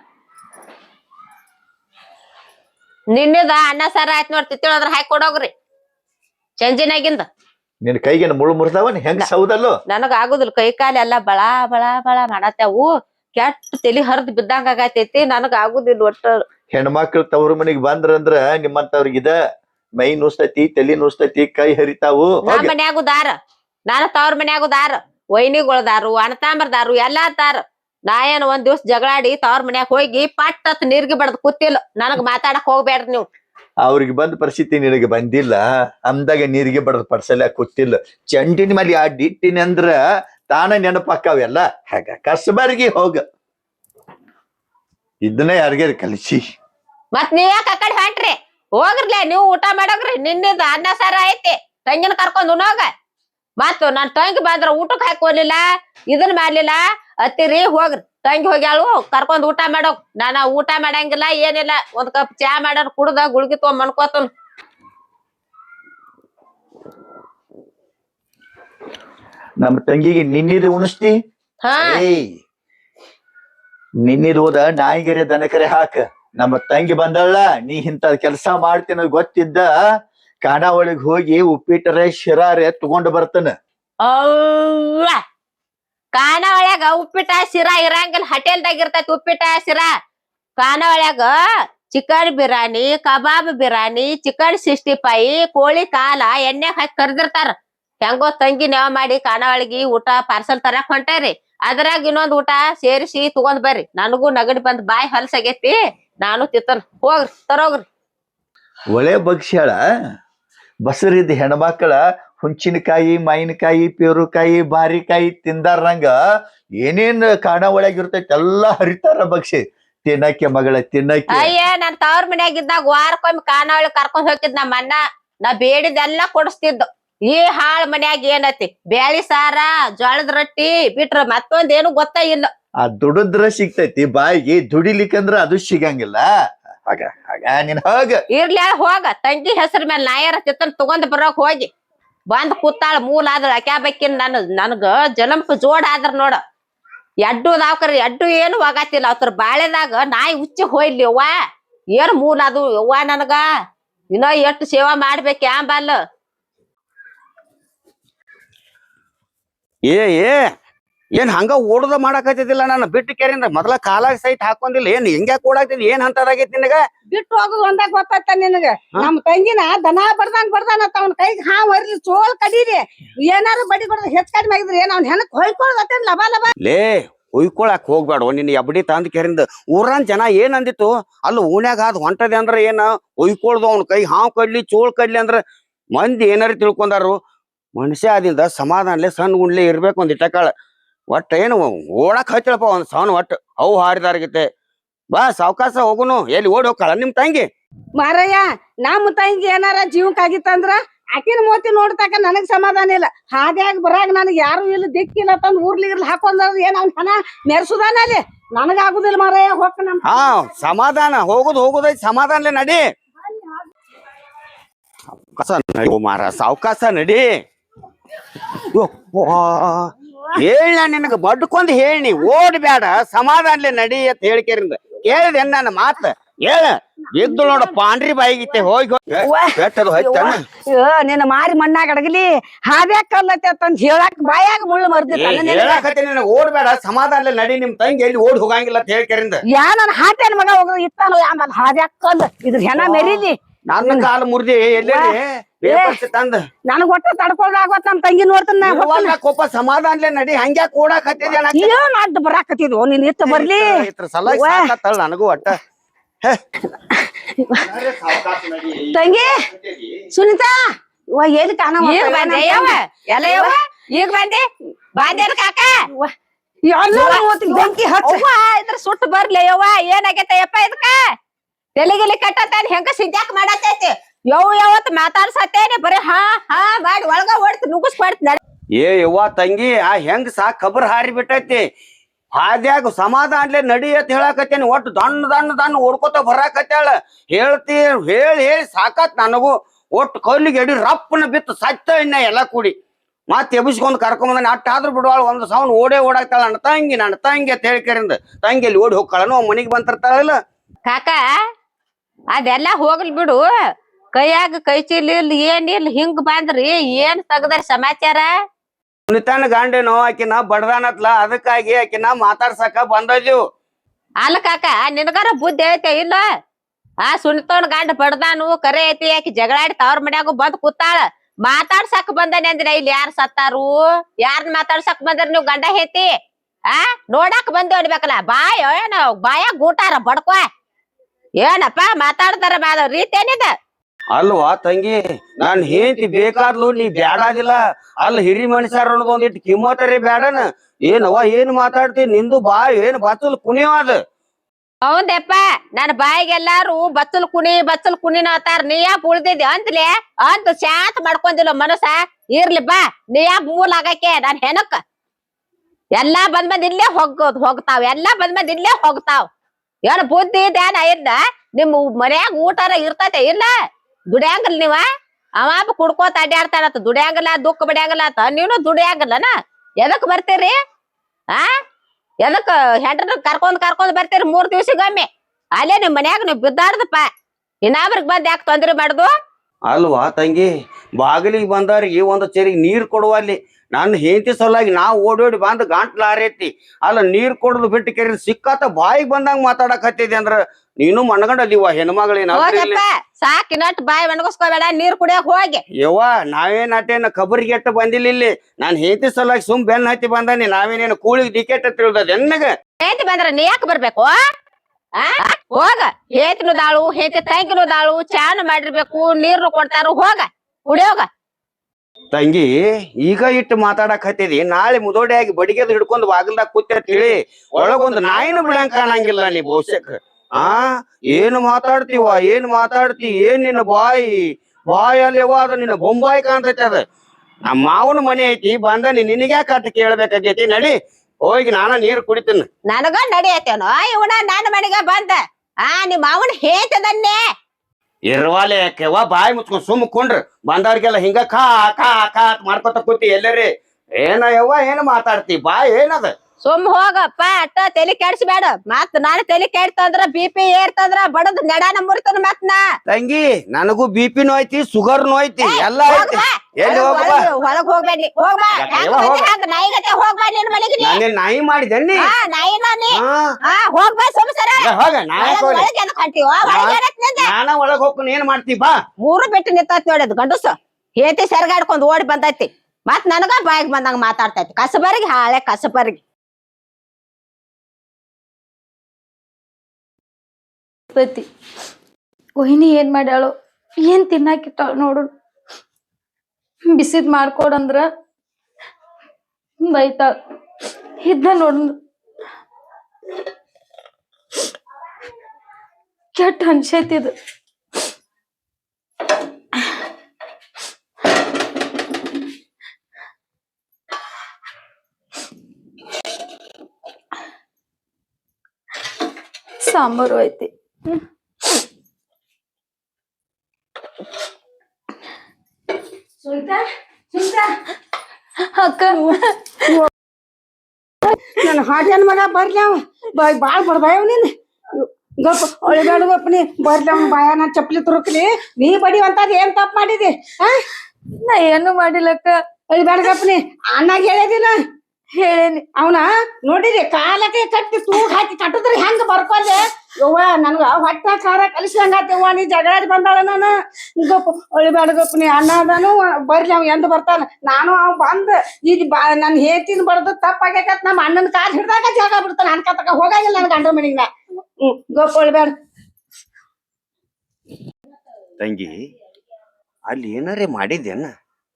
[SPEAKER 2] ನಿನ್ನದ ಅನ್ನ ಸಾರ ಆಯ್ತು ನೋಡ್. ತಿತ್ತಿಳದ್ರ ಹಾಕಿ ಕೊಡೋಗ್ರಿ ಚಂಜಿನಾಗಿಂದ.
[SPEAKER 1] ನಿನ್ ಕೈಗೇನು ಮುಳು ಮುರಿದವನ್ ಹೆಂಗ ಸೌದಲ್ಲೋ?
[SPEAKER 2] ನನಗ ಆಗುದಿಲ್ಲ. ಕೈ ಕಾಲ ಎಲ್ಲಾ ಬಳ ಬಳ ಬಳ ಮಾಡತ್ತವು. ಕೆಟ್ಟ ತಲಿ ಹರಿದ್ ಬಿದ್ದಂಗ ಆಗತೈತಿ. ನನಗ ಆಗುದಿಲ್ಲ ಒಟ್ಟ.
[SPEAKER 1] ಹೆಣ್ಮಕ್ಳು ತವ್ರ ಮನಿಗ್ ಬಂದ್ರಂದ್ರ ನಿಮ್ಮಂತವ್ರಿಗಿದ ಮೈ ನುಸ್ತೈತಿ, ತಲಿ ನುಸ್ತೈತಿ, ಕೈ ಹರಿತಾವು.
[SPEAKER 2] ನಾ ಮನ್ಯಾಗುದಾರ, ನಾನು ತವ್ರ ಮನ್ಯಾಗುದಾರ. ವೈನಿಗೊಳ್ದಾರು, ಅಣತಾಂಬರ್ದಾರು ಎಲ್ಲಾ ತಾರ. ನಾ ಏನ್ ಒಂದ್ ದಿವ್ಸ ಜಗಳಾಡಿ ತವ್ರ ಮನ್ಯಾಗ ಹೋಗಿ ಪಟ್ಟತ್ ನೀರ್ಗಿ ಬಡದ್ ಕೂತಿಲ್ಲ. ನನಗ್ ಮಾತಾಡಕ್ ಹೋಗ್ಬೇಡ್ರಿ ನೀವು.
[SPEAKER 1] ಅವ್ರಿಗೆ ಬಂದ ಪರಿಸ್ಥಿತಿ ನಿನಗೆ ಬಂದಿಲ್ಲ ಅಂದಾಗ ನೀರಿಗೆ ಬಡದ್ ಪಡ್ಸಲ ಕೂತಿಲ್ಲ. ಚಂಡಿನ ಮೇಲೆ ಇಟ್ಟಿನಿ ಅಂದ್ರ ತಾನ ನೆನಪಾಕಾವೆಲ್ಲ. ಹಾಗ ಕಸಬಾರಿಗೆ ಹೋಗ. ಇದನ್ನ ಯಾರಿಗಾರ ಕಲಿಸಿ.
[SPEAKER 2] ಮತ್ ನೀವ್ ಯಾಕೆ ಆ ಕಡೆ ಹೊಂಟ್ರಿ? ಹೋಗ್ರಲೇ ನೀವು ಊಟ ಮಾಡೋಗ್ರಿ. ನಿನ್ನಿದ ಅನ್ನ ಸಾರ ಐತಿ, ತಂಗಿನ ಕರ್ಕೊಂಡ್ ಉಣೋಗ. ಮತ್ ನನ್ ತಂಗಿ ಬಂದ್ರ ಊಟಕ್ ಹಾಕೋಲಿಲ್ಲ, ಇದನ್ ಮಾಡ್ಲಿಲ್ಲ ಅತ್ತಿರಿ. ಹೋಗ್ರಿ, ತಂಗಿ ಹೋಗ್ಯಾಳು ಕರ್ಕೊಂಡ್ ಊಟ ಮಾಡೋಗ್. ನಾನ ಊಟ ಮಾಡಂಗಿಲ್ಲ ಏನಿಲ್ಲ. ಒಂದ್ ಕಪ್ ಚಾ ಮಾಡ್ಯಾರ ಕುಡ್ದ ಗುಳ್ಗಿ ತಗೊಂಡ್ ಮನ್ಕೋತನ್.
[SPEAKER 1] ನಮ್ಮ ತಂಗಿಗೆ ನಿನ್ನಿದು ಉಣಿಸ್ತಿ. ನಿನ್ನಿದ್ ಹೋದ ನಾಯಿಗೆರೆ ದನಕರೆ ಹಾಕ. ನಮ್ಮ ತಂಗಿ ಬಂದಳ, ನೀ ಇಂತ ಕೆಲ್ಸ ಮಾಡ್ತೀನ ಗೊತ್ತಿದ್ದ ಖಾನಾವಳಿಗ್ ಹೋಗಿ ಉಪ್ಪಿಟ್ಟರೆ ಶಿರಾರೆ ತಗೊಂಡು ಬರ್ತಾನ.
[SPEAKER 2] ಅವ್ವ ಖಾನಾವಳ್ಯಾಗ ಉಪ್ಪಿಟ್ಟ ಶಿರಾ ಇರಂಗಿಲ್ಲ. ಹೋಟೆಲ್ದಾಗ ಇರ್ತೈತಿ ಉಪ್ಪಿಟ್ಟ ಶಿರಾ. ಖಾನಾವಳ್ಯಾಗ chicken biryani, kebab biryani, chicken 65, ಕೋಳಿ ಕಾಲ ಎಣ್ಣೆಗ್ ಹಾಕಿ ಕರ್ದಿರ್ತಾರ. ಹೆಂಗೋ ತಂಗಿ ನೆವ ಮಾಡಿ ಖಾನಾವಳಿಗಿ ಊಟ ಪಾರ್ಸಲ್ ತರಕ್ ಹೊಂಟೇರಿ. ಅದ್ರಾಗ ಇನ್ನೊಂದ್ ಊಟ ಸೇರಿಸಿ ತಗೊಂಡ್ ಬರ್ರಿ. ನನಗೂ ನಗಡಿ ಬಂದ್ ಬಾಯಿ ಹೊಲಸಾಗೈತಿ. ನಾನು ತಿತ್ತನ್. ಹೋಗ್ರಿ ತರೋಗ್ರಿ.
[SPEAKER 1] ಒಳ್ಳೆ ಬಗ್ಸ್ಯಾಳ. ಬಸರಿದ್ದ ಹೆಣ್ಮಕ್ಳ ಹುಂಚಿನಕಾಯಿ ಮಾಯಿನಕಾಯಿ ಪೇರುಕಾಯಿ ಬಾರಿಕಾಯಿ ತಿಂದಾರಂಗ ಏನೇನ್ ಕಾಣ ಒಳಗಿರ್ತೈತಿ ಎಲ್ಲಾ ಹರಿತಾರ ಬಗ್ಸಿ ತಿನ್ನಕ್ಕೆ ಮಗಳ ತಿನ್ನಕ್ಕೆ.
[SPEAKER 2] ಅಯ್ಯ ನಾನ್ ತವ್ರ ಮನ್ಯಾಗಿದ್ದಾಗ ವಾರಕ್ಕೊಮ್ಮೆ ಖಾನಾವಳಿ ಕರ್ಕೊಂಡ್ ಹೋಗಿದ್ ನಮ್ಮ ಅಣ್ಣ. ನಾ ಬೇಡಿದೆಲ್ಲಾ ಕೊಡಿಸ್ತಿದ್ದು. ಈ ಹಾಳ್ ಮನ್ಯಾಗ ಏನತಿ ಬ್ಯಾಳಿ ಸಾರ ಜೋಳದ ರೊಟ್ಟಿ ಬಿಟ್ರ ಮತ್ತೊಂದೇನು ಗೊತ್ತ ಇಲ್ಲ.
[SPEAKER 1] ಆ ದುಡಿದ್ರ ಸಿಗ್ತೈತಿ, ಬಾಯಿಗೆ ದುಡಿಲಿಕ್ಕಂದ್ರ ಅದು ಸಿಗಂಗಿಲ್ಲ. ಹಾಗ ಹಾಗ ನೀನ್ ಹೋಗ
[SPEAKER 2] ಇರ್ಲಿ ಹೋಗ. ತಂಗಿ ಹೆಸರ ಮೇಲೆ ನಾಯರ ತಿತ್ತನ್ ತಗೊಂಡ್ ಬರೋಕ್ ಹೋಗಿ ಬಂದ್ ಕೂತಾಳ. ಮೂಲ ಆದ್ರ ಅಕ್ಯಾಬೇಕಿನ್ ನನಗ ಜಲಂಪ ಜೋಡ್ ಆದ್ರ ನೋಡ. ಎಡ್ಡು ದಾವ್ಕರಿ ಎಡ್ಡು ಏನು ಹೋಗಾತಿಲ್ಲ. ಅವ್ರ ಬಾಳೆದಾಗ ನಾಯಿ ಉಚ್ಚಿ ಹೋಯ್ಲಿ ಯವ್ವ. ಏನ್ ಮೂಲ ಅದು ಯವ್ವ ನನಗ. ಇನ್ನೋ ಎಷ್ಟು ಸೇವಾ ಮಾಡ್ಬೇಕ ಯಾಂಬಲ್ಲ.
[SPEAKER 4] ಏನ್ ಹಂಗ ಓಡುದ ಮಾಡಾಕತ್ತಿದಿಲ್ಲ. ನಾನು ಬಿಟ್ಟು ಕೆರಿಂದ ಮೊದಲ ಕಾಲಾಗ ಸೈಟ್ ಹಾಕೊಂಡಿಲ್ಲ. ಏನ್ ಹಿಂಗ್ಯಾಕ್ ಓಡಾಕ್ತಿದ್ ಏನ್ ಹಂತದಾಗೈತಿ ನಿನಗ?
[SPEAKER 5] ಬಿಟ್ಟು ಹೋಗುದು ಒಂದಾಗ ಗೊತ್ತಾಯ್ತ ನಿನಗ. ನಮ್ ತಂಗಿನ ದನ ಬರ್ದಾನ ಅವ್ನ ಕೈಗೆ ಹಾವ್ ಹೊರ್ಲಿ ಚೋಳ್ ಕಡೀರಿ. ಏನಾರು ಬಡಿ ಕೊಡದ್ ಹೆಚ್ಚ್ ಕಡಿಮೆ ಆಗಿದ್ರಿ ಏನ್ ಅವ್ನ ಹೆಣಕ್ ಹೊಯ್ಕೊಳ್ದ ಲಬ ಲಬ.
[SPEAKER 4] ಲೇ ಹೊಯ್ಕೊಳಕ್ ಹೋಗ್ಬೇಡ. ನಿನ್ ಎಬಡಿ ತಂದ್ ಕೆರಿಂದ ಊರನ್ ಜನ ಏನ್ ಅಂದಿತ್ತು? ಅಲ್ಲಿ ಓಣ್ಯಾಗ ಅದ್ ಹೊಂಟದೆ ಅಂದ್ರ ಏನ ಹೊಯ್ಕೊಳ್ದು ಅವ್ನ ಕೈ ಹಾವ್ ಕಡ್ಲಿ ಚೋಳ್ ಕಡ್ಲಿ ಅಂದ್ರ ಮಂದಿ ಏನಾರ ತಿಳ್ಕೊಂಡಾರು. ಮನುಷ್ಯ ಆದಿಂದ ಸಮಾಧಾನಲೆ ಸಣ್ಣ ಗುಂಡ್ಲೆ ಇರ್ಬೇಕು ಒಂದ್ ಇಟ್ಟಕಾಳ. ಒಟ್ಟ ಏನು ಓಡಾಕ್ ಹಚ್ಚಳಪ್ಪ ಒಂದ್ ಸಣ್ಣ ಒಟ್ಟು ಅವು ಹಾರಿದಾರ್ಗಿತ್ತೆ. ಬಾ ಸಾವ್ಕಾಸ ಹೋಗುನು. ಎಲ್ಲಿ ಓಡಿ ಹೋಗ್ಕಳ ನಿಮ್ ತಂಗಿ?
[SPEAKER 5] ಮಾರಯ್ಯ ನಮ್ಮ ತಂಗಿ ಏನಾರ ಜೀವಕ್ಕಾಗಿತ್ತಂದ್ರ ಆಕಿನ ಮೋತಿ ನೋಡ್ತಾಕ ನನಗ್ ಸಮಾಧಾನ ಇಲ್ಲ. ಹಾದ್ಯಾಗ ಬರಾಗ ನನಗ್ ಯಾರು ಇಲ್ಲ ದಿಕ್ಕಿಲ್ಲ ತಂದ್ ಊರ್ಲಿಗಿರ್ಲಿ ಹಾಕೊಂಡ್ರ ಏನ್ ಅವ್ನ ಹಣ ಮೆರ್ಸುದಾನ ಅಲ್ಲಿ. ನನಗ ಆಗುದಿಲ್ಲ ಮಾರಯ್ಯ ಹೊಕ್ಕ ನಮ್.
[SPEAKER 4] ಹಾ ಸಮಾಧಾನ ಹೋಗುದೈತಿ ಸಮಾಧಾನಲೆ ನಡಿ. ಮಾರ ಸಾವ್ಕಾಸ ನಡಿ. ಹೇಳ ನಿನಗ ಬಡ್ಕೊಂಡ್ ಹೇಳಿ ಓಡ್ಬ್ಯಾಡ ಸಮಾಧಾನ್ಲೆ ನಡಿ ಅಂತ ಹೇಳಿಕೆರಿಂದ ಕೇಳಿದೆ ನನ್ನ ಮಾತ. ಹೇಳ ಇದ್ದು ನೋಡ ಪಾಂಡ್ರಿ ಬಾಯಿಗಿತ್ತೆ ಹೋಗಿ ಬೆಟ್ಟದು ಹೈತಾನ.
[SPEAKER 5] ನಿನ್ನ ಮಾರಿ ಮಣ್ಣಾಗ ಅಡಗಲಿ ಹಾದ್ಯಾಕ ಕಲ್ಲತ್ತೆ ಅಂತಂದ್ ಹೇಳಾಕ ಬಾಯಾಗ ಮುಳ್ಳು
[SPEAKER 4] ಹೇಳಕತ್ತೆ ನಿನಗ ಓಡ್ಬೇಡ ಸಮಾಧಾನ್ಲೆ ನಡಿ. ನಿಮ್ ತಂಗಿ ಎಲ್ಲಿ ಓಡ್ ಹೋಗಂಗಿಲ್ಲ ಅಂತ ಹೇಳಿಕೆರಿಂದ
[SPEAKER 5] ಯಾ ನನ್ ಹಾಟೇನ್ ಮಗ ಹೋಗ ಇತ್ತಾನ ಆಮೇಲೆ ಹಾದ್ಯಾಕ ಕಲ್ಲ ಇದ್ರ ಹೆಣ ಮೆರೀಲಿ.
[SPEAKER 4] ನನ್ನ ಕಾಲು ಮುರ್ದಿ ಎಲ್ಲೇ ತಂದ
[SPEAKER 5] ನನಗ್ ಒಟ್ಟ ತಡ್ಕೊಳ್ದಾಗೋತ್ ನಮ್ ತಂಗಿ ನೋಡ್ತಾನ
[SPEAKER 4] ಕೋಪ ಸಮಾಧಾನ್ಲೆ ನಡಿ. ಹಂಗ್ಯಾಕ್ ಓಡಾಕ್ ಹತ್ತಿದ್ಯಾನ
[SPEAKER 5] ಏನ್ ಅಡ್ಡ ಬರಾಕತ್ತಿದ್ವು ನೀನ್ ಇತ್ತ ಬರ್ಲಿ
[SPEAKER 4] ಸಲ ನನಗೂ ಒಟ್ಟ.
[SPEAKER 5] ತಂಗಿ ಸುನಿತಾ ಏನ್ ಕಾಣ
[SPEAKER 2] ಈಗ ಬಂದೆ ಯವ್ವ ಎಲ್ಲ ಯವ್ವ ಈಗ ಬಂದೆ ಬಾಂದೇನ ಕಾಕ
[SPEAKER 5] ಬೆಂಕಿ ಹಚ್ಚ
[SPEAKER 2] ಇದ್ರ ಸುಟ್ಟು ಬರ್ಲಿ ಯವ್ವ. ಏನಾಗೈತೆ ಯಪ್ಪ ಇದಕ್ಕ ತೆಲಿಗಿಲಿ ಕಟ್ಟತಾನ ಹೆಂಗ ಸಿದ್ಯಾಕ್ ಮಾಡತೈತಿ. ಯಾವತ್ ಮಾತಾಡ್ಸತ್ತೇನೆ ಬರೀ ಹಾ ಹಾ ಮಾಡಿ ಒಳಗ ಓಡ್ತಿ ನುಗ್ಗಿಸ್ ಮಾಡ್ತಿ.
[SPEAKER 4] ಏ ಯವ್ವ ತಂಗಿ ಆ ಹೆಂಗ್ ಖಬರ್ ಹಾರಿ ಬಿಟ್ಟೈತಿ. ಹಾದ್ಯಾಗ ಸಮಾಧಾನ್ಲೆ ನಡಿ ಅಂತ ಹೇಳಾಕತ್ತೇನಿ. ಒಟ್ಟು ದಣ್ಣ ಓಡ್ಕೋತ ಬರಾಕತ್ತಾಳ. ಹೇಳಿ ಹೇಳಿ ಸಾಕಾತ್ ನನಗೂ. ಒಟ್ಟು ಕಲ್ಲಿಗೆ ಎಡಿ ರಪ್ಪನ ಬಿತ್ತು ಸತ್ತ ಇನ್ನ ಎಲ್ಲ ಕೂಡಿ ಮತ್ತೆ ಎಬ್ಸ್ಕೊಂಡ್ ಕರ್ಕೊಂಬಂದ ಅಟ್ಟಾದ್ರೂ ಬಿಡುವಾಳ. ಒಂದು ಸೌಂಡ್ ಓಡಾಕ್ತಾಳ ನನ್ನ ತಂಗಿ ಅಂತ ಹೇಳಿಕರಿಂದ ತಂಗಿ ಅಲ್ಲಿ ಓಡಿ ಹೋಗ್ಕಳನು ಮನಿಗ್ ಬಂತಿರ್ತಾಳಲ್ಲ.
[SPEAKER 2] ಕಾಕ ಅದೆಲ್ಲಾ ಹೋಗ್ಲಿ ಬಿಡು. ಕೈಯಾಗ ಕೈ ಚೀಲಿಲ್ ಏನಿಲ್ಲ ಹಿಂಗ್ ಬಂದ್ರಿ ಏನ್ ತೆಗದಾರ ಸಮಾಚಾರ?
[SPEAKER 4] ಸುನಿತಾನ ಗಾಂಡೇನೋ ಆಕಿನ ಬಡದಾನತ್ಲ ಅದಕ್ಕಾಗಿ ಆಕಿನ ಮಾತಾಡ್ಸಕ ಬಂದಜು.
[SPEAKER 2] ಅಲ್ಲ ಕಾಕ ನಿನಗಾರ ಬುದ್ಧಿ ಐತೆ ಇಲ್ಲ? ಆ ಸುನಿತೋನ್ ಗಂಡ ಬಡ್ದಾನು ಕರೆ ಐತಿ. ಆಕಿ ಜಗಳಾಡಿ ತವ್ರ ಮನ್ಯಾಗು ಬಂದ್ ಕೂತಾಳ. ಮಾತಾಡ್ಸಕ್ ಬಂದಾನೆ ಅಂದ್ರ ಇಲ್ಲಿ ಯಾರ್ ಸತ್ತಾರು? ಯಾರ್ನ ಮಾತಾಡ್ಸಕ್ ಬಂದ್ರ ನೀವ್ ಗಂಡ ಹೇತಿ? ಆ ನೋಡಾಕ್ ಬಂದಿ ಹೊಡ್ಬೇಕಲ್ಲ. ಏನ ಬಾಯಾಗ ಗೂಟಾರ ಬಡ್ಕೊ ಏನಪ್ಪ ಮಾತಾಡ್ತಾರ ರೀತಿ ಏನಿದ?
[SPEAKER 4] ಅಲ್ವಾ ತಂಗಿ ನಾನ್ ಹೇಂತಿ ಬೇಕಾದ್ಲು ನೀ ಬ್ಯಾಡಾದಿಲ್ಲ. ಅಲ್ಲಿ ಹಿರಿ ಮನುಷ್ಯರ ಅನ್ನೋದೊಂದಿಟ್ಟು ಕಿಮ್ಮತ್ತರಿ ಬ್ಯಾಡನ. ಏನವ ಏನ್ ಮಾತಾಡ್ತಿ? ನಿಂದು ಬಾಯ್ ಏನ್ ಬಚ್ಚಲ್ ಕುಣಿಯೋದ?
[SPEAKER 2] ಹೌದಪ್ಪ ನನ್ ಬಾಯಿಗೆಲ್ಲಾರು ಬಚ್ಚಲ್ ಕುಣಿನ ಅಂತಾರ. ನೀ ಯಾಕೆ ಉಳ್ದಿದ್ದಿ ಅಂತಲೇ ಅಂತ ಶಾಂತ ಮಾಡ್ಕೊಂಡಿಲ್ಲ ಮನಸ್ಸ. ಇರ್ಲಿ ಬಾ ನೀ ಯಾಕೆ ಮೂಲ ಆಗಕ್ಕೆ ನಾನ್ ಹೆಣಕ್ ಎಲ್ಲಾ ಬಂದ್ ಇಲ್ಲೇ ಹೋಗ್ತಾವ್. ಎಲ್ಲಾ ಬಂದ್ ಇಲ್ಲೇ ಹೋಗ್ತಾವ್. ಏನ್ ಬುದ್ಧಿ ಧ್ಯಾನ ಇಲ್ಲ? ನಿಮ್ ಮನ್ಯಾಗ ಊಟಾರ ಇರ್ತೈತೆ ಇಲ್ಲ? ದುಡಿಯಂಗಿಲ್ಲ ನೀವ? ಅವ ಕುಡ್ಕೋತ ಅಡ್ಯಾಡ್ತಾನತ್ ದುಡಿಯಂಗಿಲ್ಲ ದುಃಖ ಬಡಿಯಂಗಿಲ್ಲ ಅಂತ ನೀನು ದುಡಿಯಂಗಿಲ್ಲನ? ಎದಕ್ ಬರ್ತೀರಿ? ಎದಕ್ ಹೆಂಡ್ರನ್ನ ಕರ್ಕೊಂಡ್ ಬರ್ತೀರಿ 3 ದಿವ್ಸಗೊಮ್ಮೆ? ಅಲ್ಲೇ ನಿಮ್ ಮನ್ಯಾಗ ನೀವ್ ಬಿದ್ದಾಡ್ದಪ್ಪ. ಇನ್ನೊಬ್ರಿಗೆ ಬಂದ್ ಯಾಕೆ ತೊಂದ್ರೆ ಮಾಡುದು?
[SPEAKER 4] ಅಲ್ವಾ ತಂಗಿ ಬಾಗಿಲಿಗೆ ಬಂದವ್ರಿಗೆ ಒಂದು ಚೆರಿಗೆ ನೀರ್ ಕೊಡುವಲ್ಲಿ ನನ್ನ ಹೆಂಡತಿ ಸಲುವಾಗಿ ನಾವು ಓಡೋಡಿ ಬಂದ್ ಗಂಟ್ಲಾರೈತಿ. ಅಲ್ಲ ನೀರ್ ಕೊಡುದು ಬಿಟ್ಟು ಕೆರಿ ಸಿಕ್ಕಾತ ಬಾಯಿಗೆ ಬಂದಂಗ ಮಾತಾಡಕ್ ಹತ್ತಿದೆ ಅಂದ್ರ ನೀನು ಮಣ್ಗಂಡದಿವ ಹೆಣ್ಮಗಳೇನ
[SPEAKER 2] ಸಾಕ್ ಇನ್ನಟ್ ಬಾಯಿ ಒಣಗಿಸ್ಕೋಬೇಡ. ನೀರ್ ಕುಡಿಯಕ್ ಹೋಗಿ
[SPEAKER 4] ಯವ್ವ ನಾವೇನ್ ಅಟೇನ ಕಬರಿಗೆ ಎಟ್ಟ ಬಂದಿಲ್ಲ ಇಲ್ಲಿ. ನಾನ್ ಹೆಂಡತಿ ಸಲುವಾಗಿ ಸುಮ್ ಬೆನ್ನ ಹತ್ತಿ ಬಂದಾನಿ. ನಾವೇನೇನು ಕೂಳಿಗೆ ಡಿಕೆಟ್ ತಿಳಿದ ಎನ್ನಗ
[SPEAKER 2] ಹೇತಿ ಬಂದ್ರ ನೀ ಯಾಕೆ ಬರ್ಬೇಕು? ಹೋಗ ಹೇತಿನು ದಾಳು ಹೇತಿ ತಂಗಿನು ದಾಳು ಚಾನು ಮಾಡಿರ್ಬೇಕು. ನೀರ್ನು ಕೊಡ್ತಾರು ಹೋಗ ಕುಡಿಯೋಗ.
[SPEAKER 4] ತಂಗಿ ಈಗ ಇಟ್ಟು ಮಾತಾಡಕ್ ಹತ್ತಿದಿ ನಾಳೆ ಮುದೋಡಿಯಾಗಿ ಬಡಿಗೆದ್ ಹಿಡ್ಕೊಂಡ್ ಬಾಗಿಲ್ದಾಗ ಕೂತ ತಿಳಿ ಒಳಗೊಂದು ನಾಯಿನ ಬಿಡಂಗ್ ಕಾಣಂಗಿಲ್ಲ ನೀ ಬಹುಶಃ ಆ ಏನು ಮಾತಾಡ್ತೀವ ಏನ್ ನಿನ್ನ ಬಾಯಲ್ಲಿ ಅದು ನಿನ್ನ ಬೊಂಬಾಯಿ ಕಾಣ್ತೈತಿ ಅದ ನಮ್ಮ ಮಾವನ ಮನೆ ಐತಿ ಬಂದ ನಿನಗ್ಯಾಕ ಅಟ್ ಕೇಳ್ಬೇಕಾಗೈತಿ ನಡಿ ಹೋಗಿ ನಾನ ನೀರ್ ಕುಡಿತೀನಿ
[SPEAKER 2] ನನಗ ನಡಿಯತ್ತೇನೋ ಇವನ ನನ್ನ ಮನೆಗೆ ಬಂದ ನಿಮ್ಮ ಅವನ್ ಹೇತದನ್ನೇ
[SPEAKER 4] ಇರ್ವಾಲೆ ಯಾಕೆವ ಬಾಯಿ ಮುಚ್ಕೊಂಡ್ ಸುಮ್ಕೊಂಡ್ರ ಬಂದವ್ರಿಗೆಲ್ಲ ಹಿಂಗ ಖಾ ಖಾ ಖಾ ಅಂತ ಮಾಡ್ಕೊತ ಕೂತಿ ಎಲ್ಲರಿ ಏನ ಯವ್ವ ಏನು ಮಾತಾಡ್ತಿ ಬಾಯ್ ಏನದ
[SPEAKER 2] ಸುಮ್ ಹೋಗಪ್ಪ ಅಟ್ಟ ತಲಿ ಕೆಡ್ಸ್ಬೇಡ ಮತ್ ನಾನು ತಲಿ ಕೆಡ್ತಂದ್ರ BP ಏರ್ತಂದ್ರ ಬಡದ್ ನೆಡಾನ ಮುರಿತನ ಮತ್ ನಾ
[SPEAKER 4] ತಂಗಿ ನನಗೂ ಬಿಪಿನೂ ಐತಿ ಶುಗರ್ನು ಐತಿ ಎಲ್ಲ ಐತಿ ಎಲ್ಲಿ ಹೋಗಪ್ಪ
[SPEAKER 2] ಹೊರಗ್ ಹೋಗ್ಬೇಡಿ ಹೋಗ್ಬಾ ನಾಯಿಗತೆ ಹೋಗ್ಬಾ ನಿನ್ ಮನೆಗೆ ನೀ.
[SPEAKER 4] ನಾನೇನ್ ನಾಯಿ ಮಾಡಿದೆನ್ನಿ
[SPEAKER 2] ನಾಯಿ ನಾನಿ ಹೋಗ್ಬಾ ಸುಮ್ಸರ
[SPEAKER 4] ಹೋಗ ನಾಯಕ ನಾನ ಒಳಗ್ ಹೋಗ್ಕೊಂಡು ಏನ್ ಮಾಡ್ತಿ ಬಾ
[SPEAKER 2] ಮೂರು ಬಿಟ್ಟು ನಿಂತೈತಿ ನೋಡದ್ ಗಂಡಸ ಹೇತಿ ಸೆರಗಾಡ್ಕೊಂಡ್ ಓಡಿ ಬಂದೈತಿ ಮತ್ ನನಗ ಬಾಯಿಗೆ ಬಂದಂಗ ಮಾತಾಡ್ತೈತಿ ಕಸಬರಿಗೆ ಹಾಳೆ ಕಸಬರಿಗೆ
[SPEAKER 3] ಪ್ರತಿ ವಹಿನಿ ಏನ್ ಮಾಡ್ಯಾಳು ಏನ್ ತಿನ್ನಾಕಿಟ್ಟಾಳ ನೋಡು ಬಿಸಿದ್ ಮಾಡ್ಕೊಡಂದ್ರ ಬೈತಾಳ ಇದ್ನ ನೋಡು ಕೆಟ್ಟ ಅನ್ಸೈತಿದು ಸಾಂಬಾರು ಐತಿ ಅಕ್ಕ
[SPEAKER 5] ನನ್ನ ಹಾಡ್ಯಾನ ಮಗ ಬರ್ಲಿ ಅವ ಬಾಳ್ ಬಡ್ದಾಯವ್ ನೀನ್ ಗಪ್ಪ ಒಳಿಬೇಡ ಗಪ್ಪ ನೀ ಬರ್ಲಿ ಅವ್ನ ಬಾಯನ ಚಪ್ಲಿ ತುರುಕ್ಲಿ ನೀ ಬಡಿವಂತದ್ ಏನ್ ತಪ್ಪ ಮಾಡಿದಿ
[SPEAKER 3] ನಾ ಏನು ಮಾಡಿಲ್ಲಕ್ಕ
[SPEAKER 5] ಒಳಿಬೇಡ ಗಪ್ಪ ನೀ ಅಣ್ಣಾಗ ಹೇಳಿದಿಲ್ಲ
[SPEAKER 3] ಹೇಳೇನಿ
[SPEAKER 5] ಅವನ ನೋಡಿರಿ ಕಾಲಕ್ಕೆ ಕಟ್ಟಿ ತೂಗ್ ಹಾಕಿ ಕಟ್ಟದ್ರಿ ಹೆಂಗ ಬರ್ಕೊಂಡೆ ಯವ್ವ ನನ್ಗ ಹೊಟ್ಟ ಖಾರ ಕಲಿಸ್ದಂಗಾತವ್ವ ನೀ ಜಗಳಾಡಿ ಬಂದಾಳ ನಾನು ಗಪ್ಪ ಒಳಿಬೇಡ ಗಪ್ಪ ನೀ ಅಣ್ಣ ಅದಾನು ಬರ್ಲಿ ಅವ್ ಎಂದ ಬರ್ತಾನ ನಾನು ಅವ್ ಬಂದ್ ಈಗ ನನ್ ಹೇತಿನ ಬಡ್ದು ತಪ್ಪಾಗೈತತ್ ನಮ್ಮ ಅಣ್ಣನ ಕಾಲ್ ಹಿಡ್ದಾಗ ಜಾಗ ಬಿಡ್ತಾನ ಅನ್ಕತಕ ಹೋಗಾಗಿಲ್ಲ ನನ್ ಗಂಡ್ರ ಮನಿಗ್ ನಾ ಗಪ್ಪ ಒಳಿಬೇಡ
[SPEAKER 4] ತಂಗಿ ಅಲ್ಲಿ ಏನಾರೇ ಮಾಡಿದ್ಯನ್ನ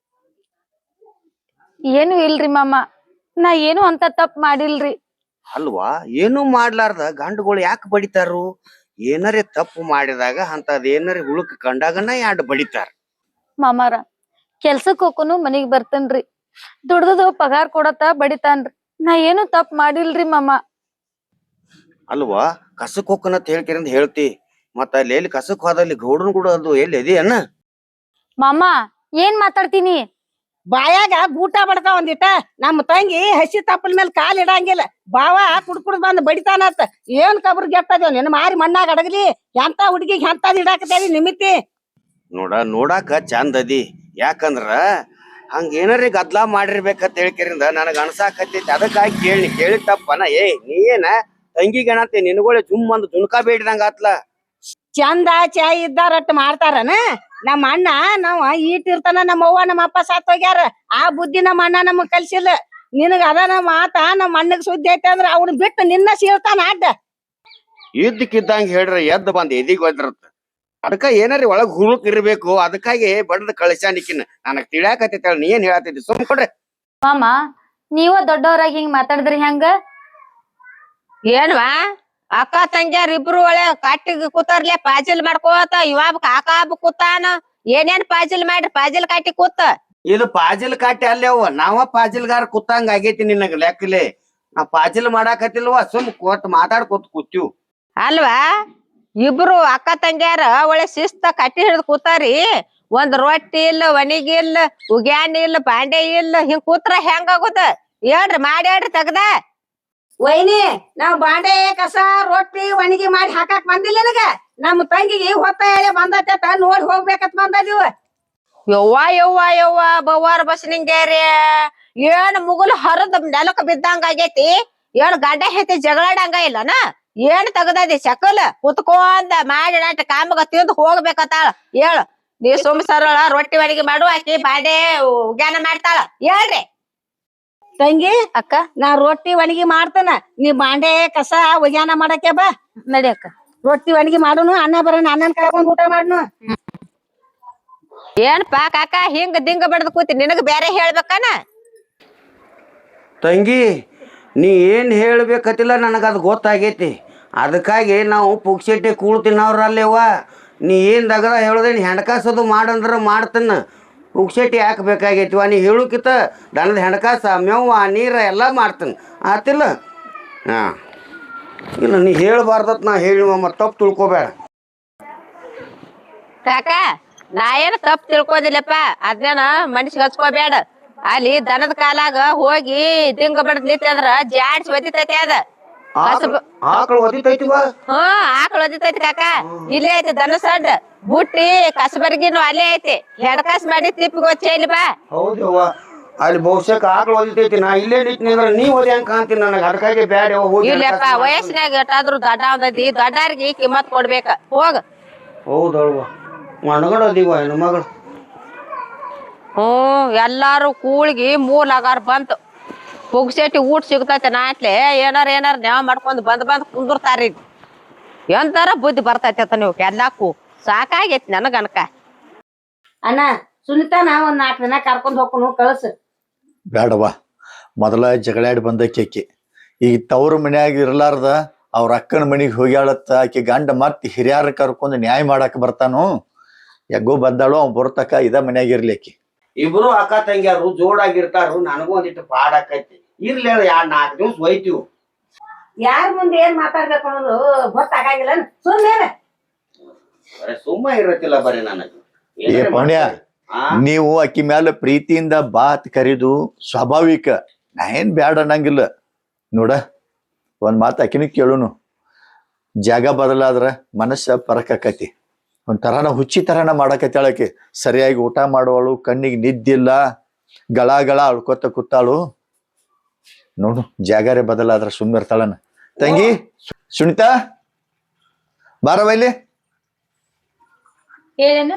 [SPEAKER 3] ಏನು ಇಲ್ರಿ ಮಾಮ ನಾ ಏನು ಅಂತ ತಪ್ಪ ಮಾಡಿಲ್ರಿ
[SPEAKER 4] ಅಲ್ವಾ ಏನು ಮಾಡ್ಲಾರ್ದ ಗಂಡುಗಳು ಯಾಕೆ ಬಡಿತಾರು ಏನಾರೇ ತಪ್ಪು ಮಾಡಿದಾಗ ಅಂತದ್ ಏನಾರೇ ಹುಳುಕ್ ಕಂಡಾಗನ ಯಾಡ್ ಬಡಿತಾರ
[SPEAKER 3] ಮಾಮಾರ ಕೆಲ್ಸಕ್ ಹೋಗುನು ಮನಿಗ್ ಬರ್ತೇನ್ರಿ ದುಡ್ದು ಪಗಾರ ಕೊಡತ್ತ ಬಡಿತಾನ್ರಿ ನಾ ಏನು ತಪ್ಪ ಮಾಡಿಲ್ರಿ ಮಾಮ
[SPEAKER 4] ಅಲ್ವಾ ಕಸಕ್ ಹೋಗ್ಕನತ್ ಹೇಳ್ಕಿರಂತ ಹೇಳ್ತಿ ಮತ್ತ ಅಲ್ಲಿ ಎಲ್ಲಿ ಕಸಕ್ ಹೋದಲ್ಲಿ ಗೌಡನ್ ಕೂಡ ಅದು ಎಲ್ಲಿ ಇದೆಯನ್ನ
[SPEAKER 3] ಮಾಮ ಏನ್ ಮಾತಾಡ್ತೀನಿ
[SPEAKER 5] ಬಾಯಾಗ ಬೂಟ ಬಡ್ಕ ಒಂದಿಟ ನಮ್ಮ ತಂಗಿ ಹಸಿ ತಪ್ಪಲ ಮೇಲೆ ಕಾಲ್ ಇಡಂಗಿಲ್ಲ ಬಾವ ಕುಡ್ಕುಡ್ ಬಂದ್ ಬಡಿತಾನತ್ತ ಏನ್ ಕಬ್ರ ಗೆಟ್ಟದೇವ್ ನಿನ್ನ ಮಾರಿ ಮಣ್ಣಾಗ ಅಡಗಲಿ ಎಂತ ಹುಡುಗಿಗೆ ಎಂತದ್ ಇಡಾಕತೇವಿ ನಿಮಿತಿ
[SPEAKER 4] ನೋಡಾಕ ಚಂದ ಅದಿ ಯಾಕಂದ್ರ ಹಂಗ ಏನಾರೇ ಗದ್ಲಾ ಮಾಡಿರ್ಬೇಕಂತ ಹೇಳ್ಕಿರಿಂದ ನನಗ ಅನ್ಸಾಕತ್ತೈತಿ ಅದಕ್ಕಾಗಿ ಕೇಳಿ ತಪ್ಪನ ನೀ ಏನ ತಂಗಿ ಗಣತೆ ನಿನಗೊಳೆ ಜುಮ್ ಅಂದ್ ಜುನ್ಕಾ ಬೇಡಿದಂಗ ಆತ್ಲ
[SPEAKER 5] ಚಂದ ಚಾಯ್ ಇದ್ದಾರಟ್ ಮಾಡ್ತಾರನ ನಮ್ಮ ಅಣ್ಣ ನಾವ್ ಈಟಿರ್ತಾನ ನಮ್ಮ ಅವ್ವ ನಮ್ಮ ಅಪ್ಪ ಸತ್ ಹೋಗ್ಯಾರ ಆ ಬುದ್ಧಿ ನಮ್ಮ ಅಣ್ಣ ನಮಗ್ ಕಲ್ಸಿಲ್ಲ ನಿನಗ ಅದ ಮಾತ ನಮ್ಮ ಅಣ್ಣಗ್ ಸುದ್ದಿ ಐತೆ ಅಂದ್ರ ಅವ್ನ ಬಿಟ್ಟು ನಿನ್ನ ಸೀಳ್ತಾನ ಅಡ್ಡ
[SPEAKER 4] ಇದ್ದಕ್ಕಿದ್ದಂಗ ಹೇಳ್ರಿ ಎದ್ದು ಬಂದ್ ಎದಿಗ್ ಒದ್ರತ್ತ ಅದಕ್ಕ ಏನಾರಿ ಒಳಗ್ ಹುಳುಕ್ ಇರ್ಬೇಕು ಅದಕ್ಕಾಗಿ ಬಡದ್ ಕಳಿಸ್ಯಾನಿಕಿನ ನನಗ್ ತಿಳಿಯಾಕತ್ತೈತಿ ನೀ ಏನ್ ಹೇಳತ್ತಿದ್ದಿ ಸುಮ್ ಕೊಡ್ರಿ
[SPEAKER 3] ಮಾಮ ನೀವ ದೊಡ್ಡವರಾಗಿ ಹಿಂಗ್ ಮಾತಾಡಿದ್ರಿ ಹೆಂಗ
[SPEAKER 2] ಏನ್ವಾ ಅಕ್ಕ ತಂಗ್ಯಾರ ಇಬ್ರು ಒಳ್ಳೆ ಕಟ್ಟಿಗೆ ಕೂತಾರ್ಲೆ ಪಾಜಿಲ್ ಮಾಡ್ಕೋತ ಇವಾಗ ಕಾಕ ಹಬ್ಬ ಕೂತಾನ ಏನೇನ್ ಪಾಜಿಲ್ ಮಾಡ್ರಿ ಪಾಜಿಲ್ ಕಟ್ಟಿ ಕೂತ
[SPEAKER 4] ಇದು ಪಾಜಿಲ್ ಕಾಟಿ ಅಲ್ಲೇವ ನಾವ ಪಾಜಿಲ್ಗಾರ ಕೂತಂಗ ಆಗೈತಿ ನಿನಗ ಲೆಕ್ಕಲೆ ನಾ ಪಾಜಿಲ್ ಮಾಡಾಕತ್ತಿಲ್ವ ಸುಮ್ ಕೋತ್ ಮಾತಾಡ್ಕೋತ ಕೂತೀವ್
[SPEAKER 2] ಅಲ್ವಾ ಇಬ್ರು ಅಕ್ಕ ತಂಗ್ಯಾರ ಒಳ್ಳೆ ಶಿಸ್ತ ಕಟ್ಟಿ ಹಿಡ್ದು ಕೂತಾರಿ ಒಂದ್ ರೊಟ್ಟಿ ಇಲ್ಲ ಒಣಿಗಿ ಇಲ್ಲ ಉಗ್ಯಾನ ಇಲ್ಲ ಬಾಂಡೆ ಇಲ್ಲ ಹಿಂಗ್ ಕೂತ್ರ ಹೆಂಗ ಆಗುದ ಹೇಳ್ರಿ ಮಾಡಿ ಹೇಳ್ರಿ ತೆಗ್ದ
[SPEAKER 5] ವೈನಿ ನಾವ್ ಬಾಂಡೆ ಕಸ ರೊಟ್ಟಿ ಒಣಗಿ ಮಾಡಿ ಹಾಕಾಕ್ ಬಂದಿಲ್ಲ ನಿನಗ ನಮ್ಮ ತಂಗಿಗೆ ಹೊತ್ತ ಹೇಳಿ ಬಂದತ್ತ ನೋಡಿ ಹೋಗ್ಬೇಕತ್ ಬಂದದೀವ
[SPEAKER 2] ಯವ್ವ ಬವ್ವಾರ ಬಸ್ನಿಂಗ್ಯಾರಿ ಏನ್ ಮುಗುಲ್ ಹರದ್ ನೆಲಕ್ ಬಿದ್ದಂಗ ಆಗೈತಿ ಏನ್ ಗಡ್ಡ ಹೆತ್ತಿ ಜಗಳಾಡಂಗ ಇಲ್ಲನ ಏನ್ ತಗದದಿ ಸಕಲ್ ಕುತ್ಕೊಂಡ ಮಾಡಿ ನಾಟ ಕಾಮಗ ತಿಂದು ಹೋಗ್ಬೇಕತ್ತಾಳ ಹೇಳು ನೀ ಸುಮ್ ಸರಳ ರೊಟ್ಟಿ ಅಡಿಗೆ ಮಾಡು ಆಕಿ ಬಾಂಡೆ ಉಗ್ಯಾನ ಮಾಡ್ತಾಳ ಹೇಳ್ರಿ
[SPEAKER 5] ತಂಗಿ
[SPEAKER 3] ಅಕ್ಕ
[SPEAKER 5] ನಾ ರೊಟ್ಟಿ ಒಣಗಿ ಮಾಡ್ತೇನ ನೀ ಬಾಂಡೆ ಕಸ ಒಗ್ಯಾನ ಮಾಡಕ್ಕೆ ಬಾ
[SPEAKER 3] ನಡಿ ಅಕ್ಕ
[SPEAKER 5] ರೊಟ್ಟಿ ಒಣಗಿ ಮಾಡುನು ಅನ್ನ ಬರೋಣ ಅಣ್ಣನ್ ಕರ್ಕೊಂಡ್ ಊಟ ಮಾಡ್ನು
[SPEAKER 2] ಏನ್ಪಾ ಕಾಕ ಹಿಂಗ ದಿಂಗ ಬಡದ್ ಕೂತಿ ನಿನಗ ಬ್ಯಾರೆ ಹೇಳ್ಬೇಕಾನ?
[SPEAKER 4] ತಂಗಿ ನೀ ಏನ್ ಹೇಳ್ಬೇಕತ್ತಿಲ್ಲ ನನಗದು ಗೊತ್ತಾಗೈತಿ. ಅದಕ್ಕಾಗಿ ನಾವು ಪುಕ್ಸೆಟ್ಟಿ ಕೂಳ್ ತಿನ್ನೋರಲ್ಲೇವ. ನೀ ಏನ್ ದಗದ ಹೇಳೋದೇನು ಹೆಣ್ಕಾಸದು ಮಾಡಂದ್ರೆ ಮಾಡ್ತೇನೆ. ಪುಕ್ಸೆಟ್ಟಿ ಯಾಕೆ ಬೇಕಾಗೈತಿವ? ನೀ ಹೇಳೋಕಿತ್ತ ದನದ ಹೆಣ್ಕಾಸ ಮೇವ ನೀರ ಎಲ್ಲ ಮಾಡ್ತೇನೆ ಆತಿಲ್ಲ. ಹಾಂ ಇಲ್ಲ ನೀ ಹೇಳ್ಬಾರ್ದತ್ ನಾ ಹೇಳಿ ಮತ್ತೆ ತಪ್ಪು ತಿಳ್ಕೊಬೇಡ.
[SPEAKER 2] ಕಾಕ ನಾ ಏನ್ ತಪ್ಪು ತಿಳ್ಕೋದಿಲ್ಲಪ್ಪ, ಅದ್ನೇನ ಮನುಷ್ಯ ಹಚ್ಕೋಬೇಡ. ಅಲ್ಲಿ ದನದ ಕಾಲಾಗ ಹೋಗಿ ದಿಂಗ ಬಡದ್ ನಿಂತಂದ್ರ ಜಾಡ್ಸಿ ಒದಿತೈತಿ ಅದ.
[SPEAKER 4] ಆಕಳು ಒದಿತೈತಿವ?
[SPEAKER 2] ಆಕಳ ಒದಿತೈತಿ ಕಾಕ. ಇಲ್ಲೇ ಐತಿ ದನ ಸಡ್ ಬುಟ್ಟಿ ಕಸಬರ್ಗಿನು ಅಲ್ಲೇ ಐತಿ. ಹೆಡ್ಕಾಸ್ ಮಾಡಿ ತಿಪ್ಪಿಗೆ ಚೆಲ್ಲಿ ಬಾ.
[SPEAKER 4] ಹೌದವ್ವ, ಅಲ್ಲಿ ಬಹುಶಃ ಆಕಳು ಒದಿತೈತಿ. ನಾ ಇಲ್ಲೇ ನಿಂತೀನಿ ಅಂದ್ರೆ ನೀ ಒದಿ ಹಂಗ ಕಾಣ್ತೀನಿ ನನಗೆ. ಅದಕ್ಕಾಗಿ ಬ್ಯಾಡ ಹೋಗಿ.
[SPEAKER 2] ಇಲ್ಲಪ್ಪ ವಯಸ್ಸಿನಾಗ ಎಷ್ಟಾದ್ರು ದೊಡ್ಡ ಅವದೈತಿ, ದೊಡ್ಡಾರ್ಗಿ ಕಿಮ್ಮತ್ ಕೊಡ್ಬೇಕ. ಹೋಗ.
[SPEAKER 4] ಹೌದಲ್ವ, ಮಣಗಡದಿವ ಹೆಣ್ಮಗಳು.
[SPEAKER 2] ಎಲ್ಲಾರು ಕೂಳಿಗಿ ಮೂಲಾಗಾರ ಬಂತು. ಪುಗ್ಸೆಟ್ಟಿ ಊಟ ಸಿಗ್ತೈತೆ ನಾಟ್ಲೆ ಏನಾರ ನ್ಯಾವ ಮಾಡ್ಕೊಂಡ್ ಬಂದ್ ಕುಂದಿರ್ತಾರ. ಎಂತಾರ ಬುದ್ಧಿ ಬರ್ತೈತೆ ನೀವು ಎಲ್ಲಾಕು. ಸಾಕಾಗೈತಿ ನನಗನಕ.
[SPEAKER 5] ಅಣ್ಣ ಸುನಿತಾನ ಒಂದ್ 4 ದಿನ ಕರ್ಕೊಂಡ್ ಹೋಗ್ಕೊಂಡು ಕಳ್ಸ.
[SPEAKER 1] ಬೇಡವಾ, ಮೊದಲ ಜಗಳಾಡಿ ಬಂದಕ್ಕೆ ಈಗ ತವ್ರ ಮನ್ಯಾಗ ಇರ್ಲಾರ್ದ ಅವ್ರ ಅಕ್ಕನ ಮನಿಗೆ ಹೋಗ್ಯಾಳತ್ತ. ಆಕಿ ಗಂಡ ಮತ್ ಹಿರಿಯಾರ ಕರ್ಕೊಂಡು ನ್ಯಾಯ ಮಾಡಾಕ ಬರ್ತಾನು. ಯಾಗೋ ಬಂದಾಳು, ಅವ್ ಬರ್ತಕ ಇದ ಮನ್ಯಾಗ ಇರ್ಲಿ ಆಕಿ.
[SPEAKER 4] ಇಬ್ರು ಅಕ್ಕ ತಂಗಿಯಾರು ಜೋಡಾಗಿರ್ತಾರು. ನನಗೂ ಒಂದಿಟ್ಟು ಪಾಡಾಕೈತಿ. ಇರ್ಲಿ 4 ದಿವ್ಸ ಒಯ್ತೀವಿ.
[SPEAKER 5] ಯಾರ ಮುಂದೆ ಏನ್ ಮಾತಾಡ್ಬೇಕು ಅನ್ನೋದು ಗೊತ್ತಾಗಂಗಿಲ್ಲ. ಸುಮ್ಮನೆ
[SPEAKER 4] ಸುಮ್ಮ ಇರತ್ತಿಲ್ಲ ಬರೀ ನನಗೆ.
[SPEAKER 1] ಏ ಪೌಣ್ಯ, ನೀವು ಅಕ್ಕಿ ಮ್ಯಾಲ ಪ್ರೀತಿಯಿಂದ ಬಾತ್ ಕರಿದು ಸ್ವಾಭಾವಿಕ. ನಾ ಏನ್ ಬ್ಯಾಡ ಅನ್ನಂಗಿಲ್ಲ. ನೋಡ ಒಂದ್ ಮಾತು ಅಕ್ಕಿನ ಕೇಳುನು. ಜಾಗ ಬದಲಾದ್ರ ಮನಸ್ಸ ಪರಕಾಕತಿ. ಒಂಥರನ ಹುಚ್ಚಿ ತರನ ಮಾಡಕತ್ತಾಳಕಿ. ಸರಿಯಾಗಿ ಊಟ ಮಾಡುವಳು, ಕಣ್ಣಿಗೆ ನಿದ್ದಿಲ್ಲ, ಗಳ ಅಳ್ಕೊತ ಕೂತಾಳು. ನೋಡು ಜಾಗಾರೆ ಬದಲಾದ್ರ ಸುಮ್ಮಿರ್ತಾಳನ. ತಂಗಿ ಸುನಿತಾ ಬಾರವ ಇಲ್ಲಿ.
[SPEAKER 3] ಹೇಳೇನು?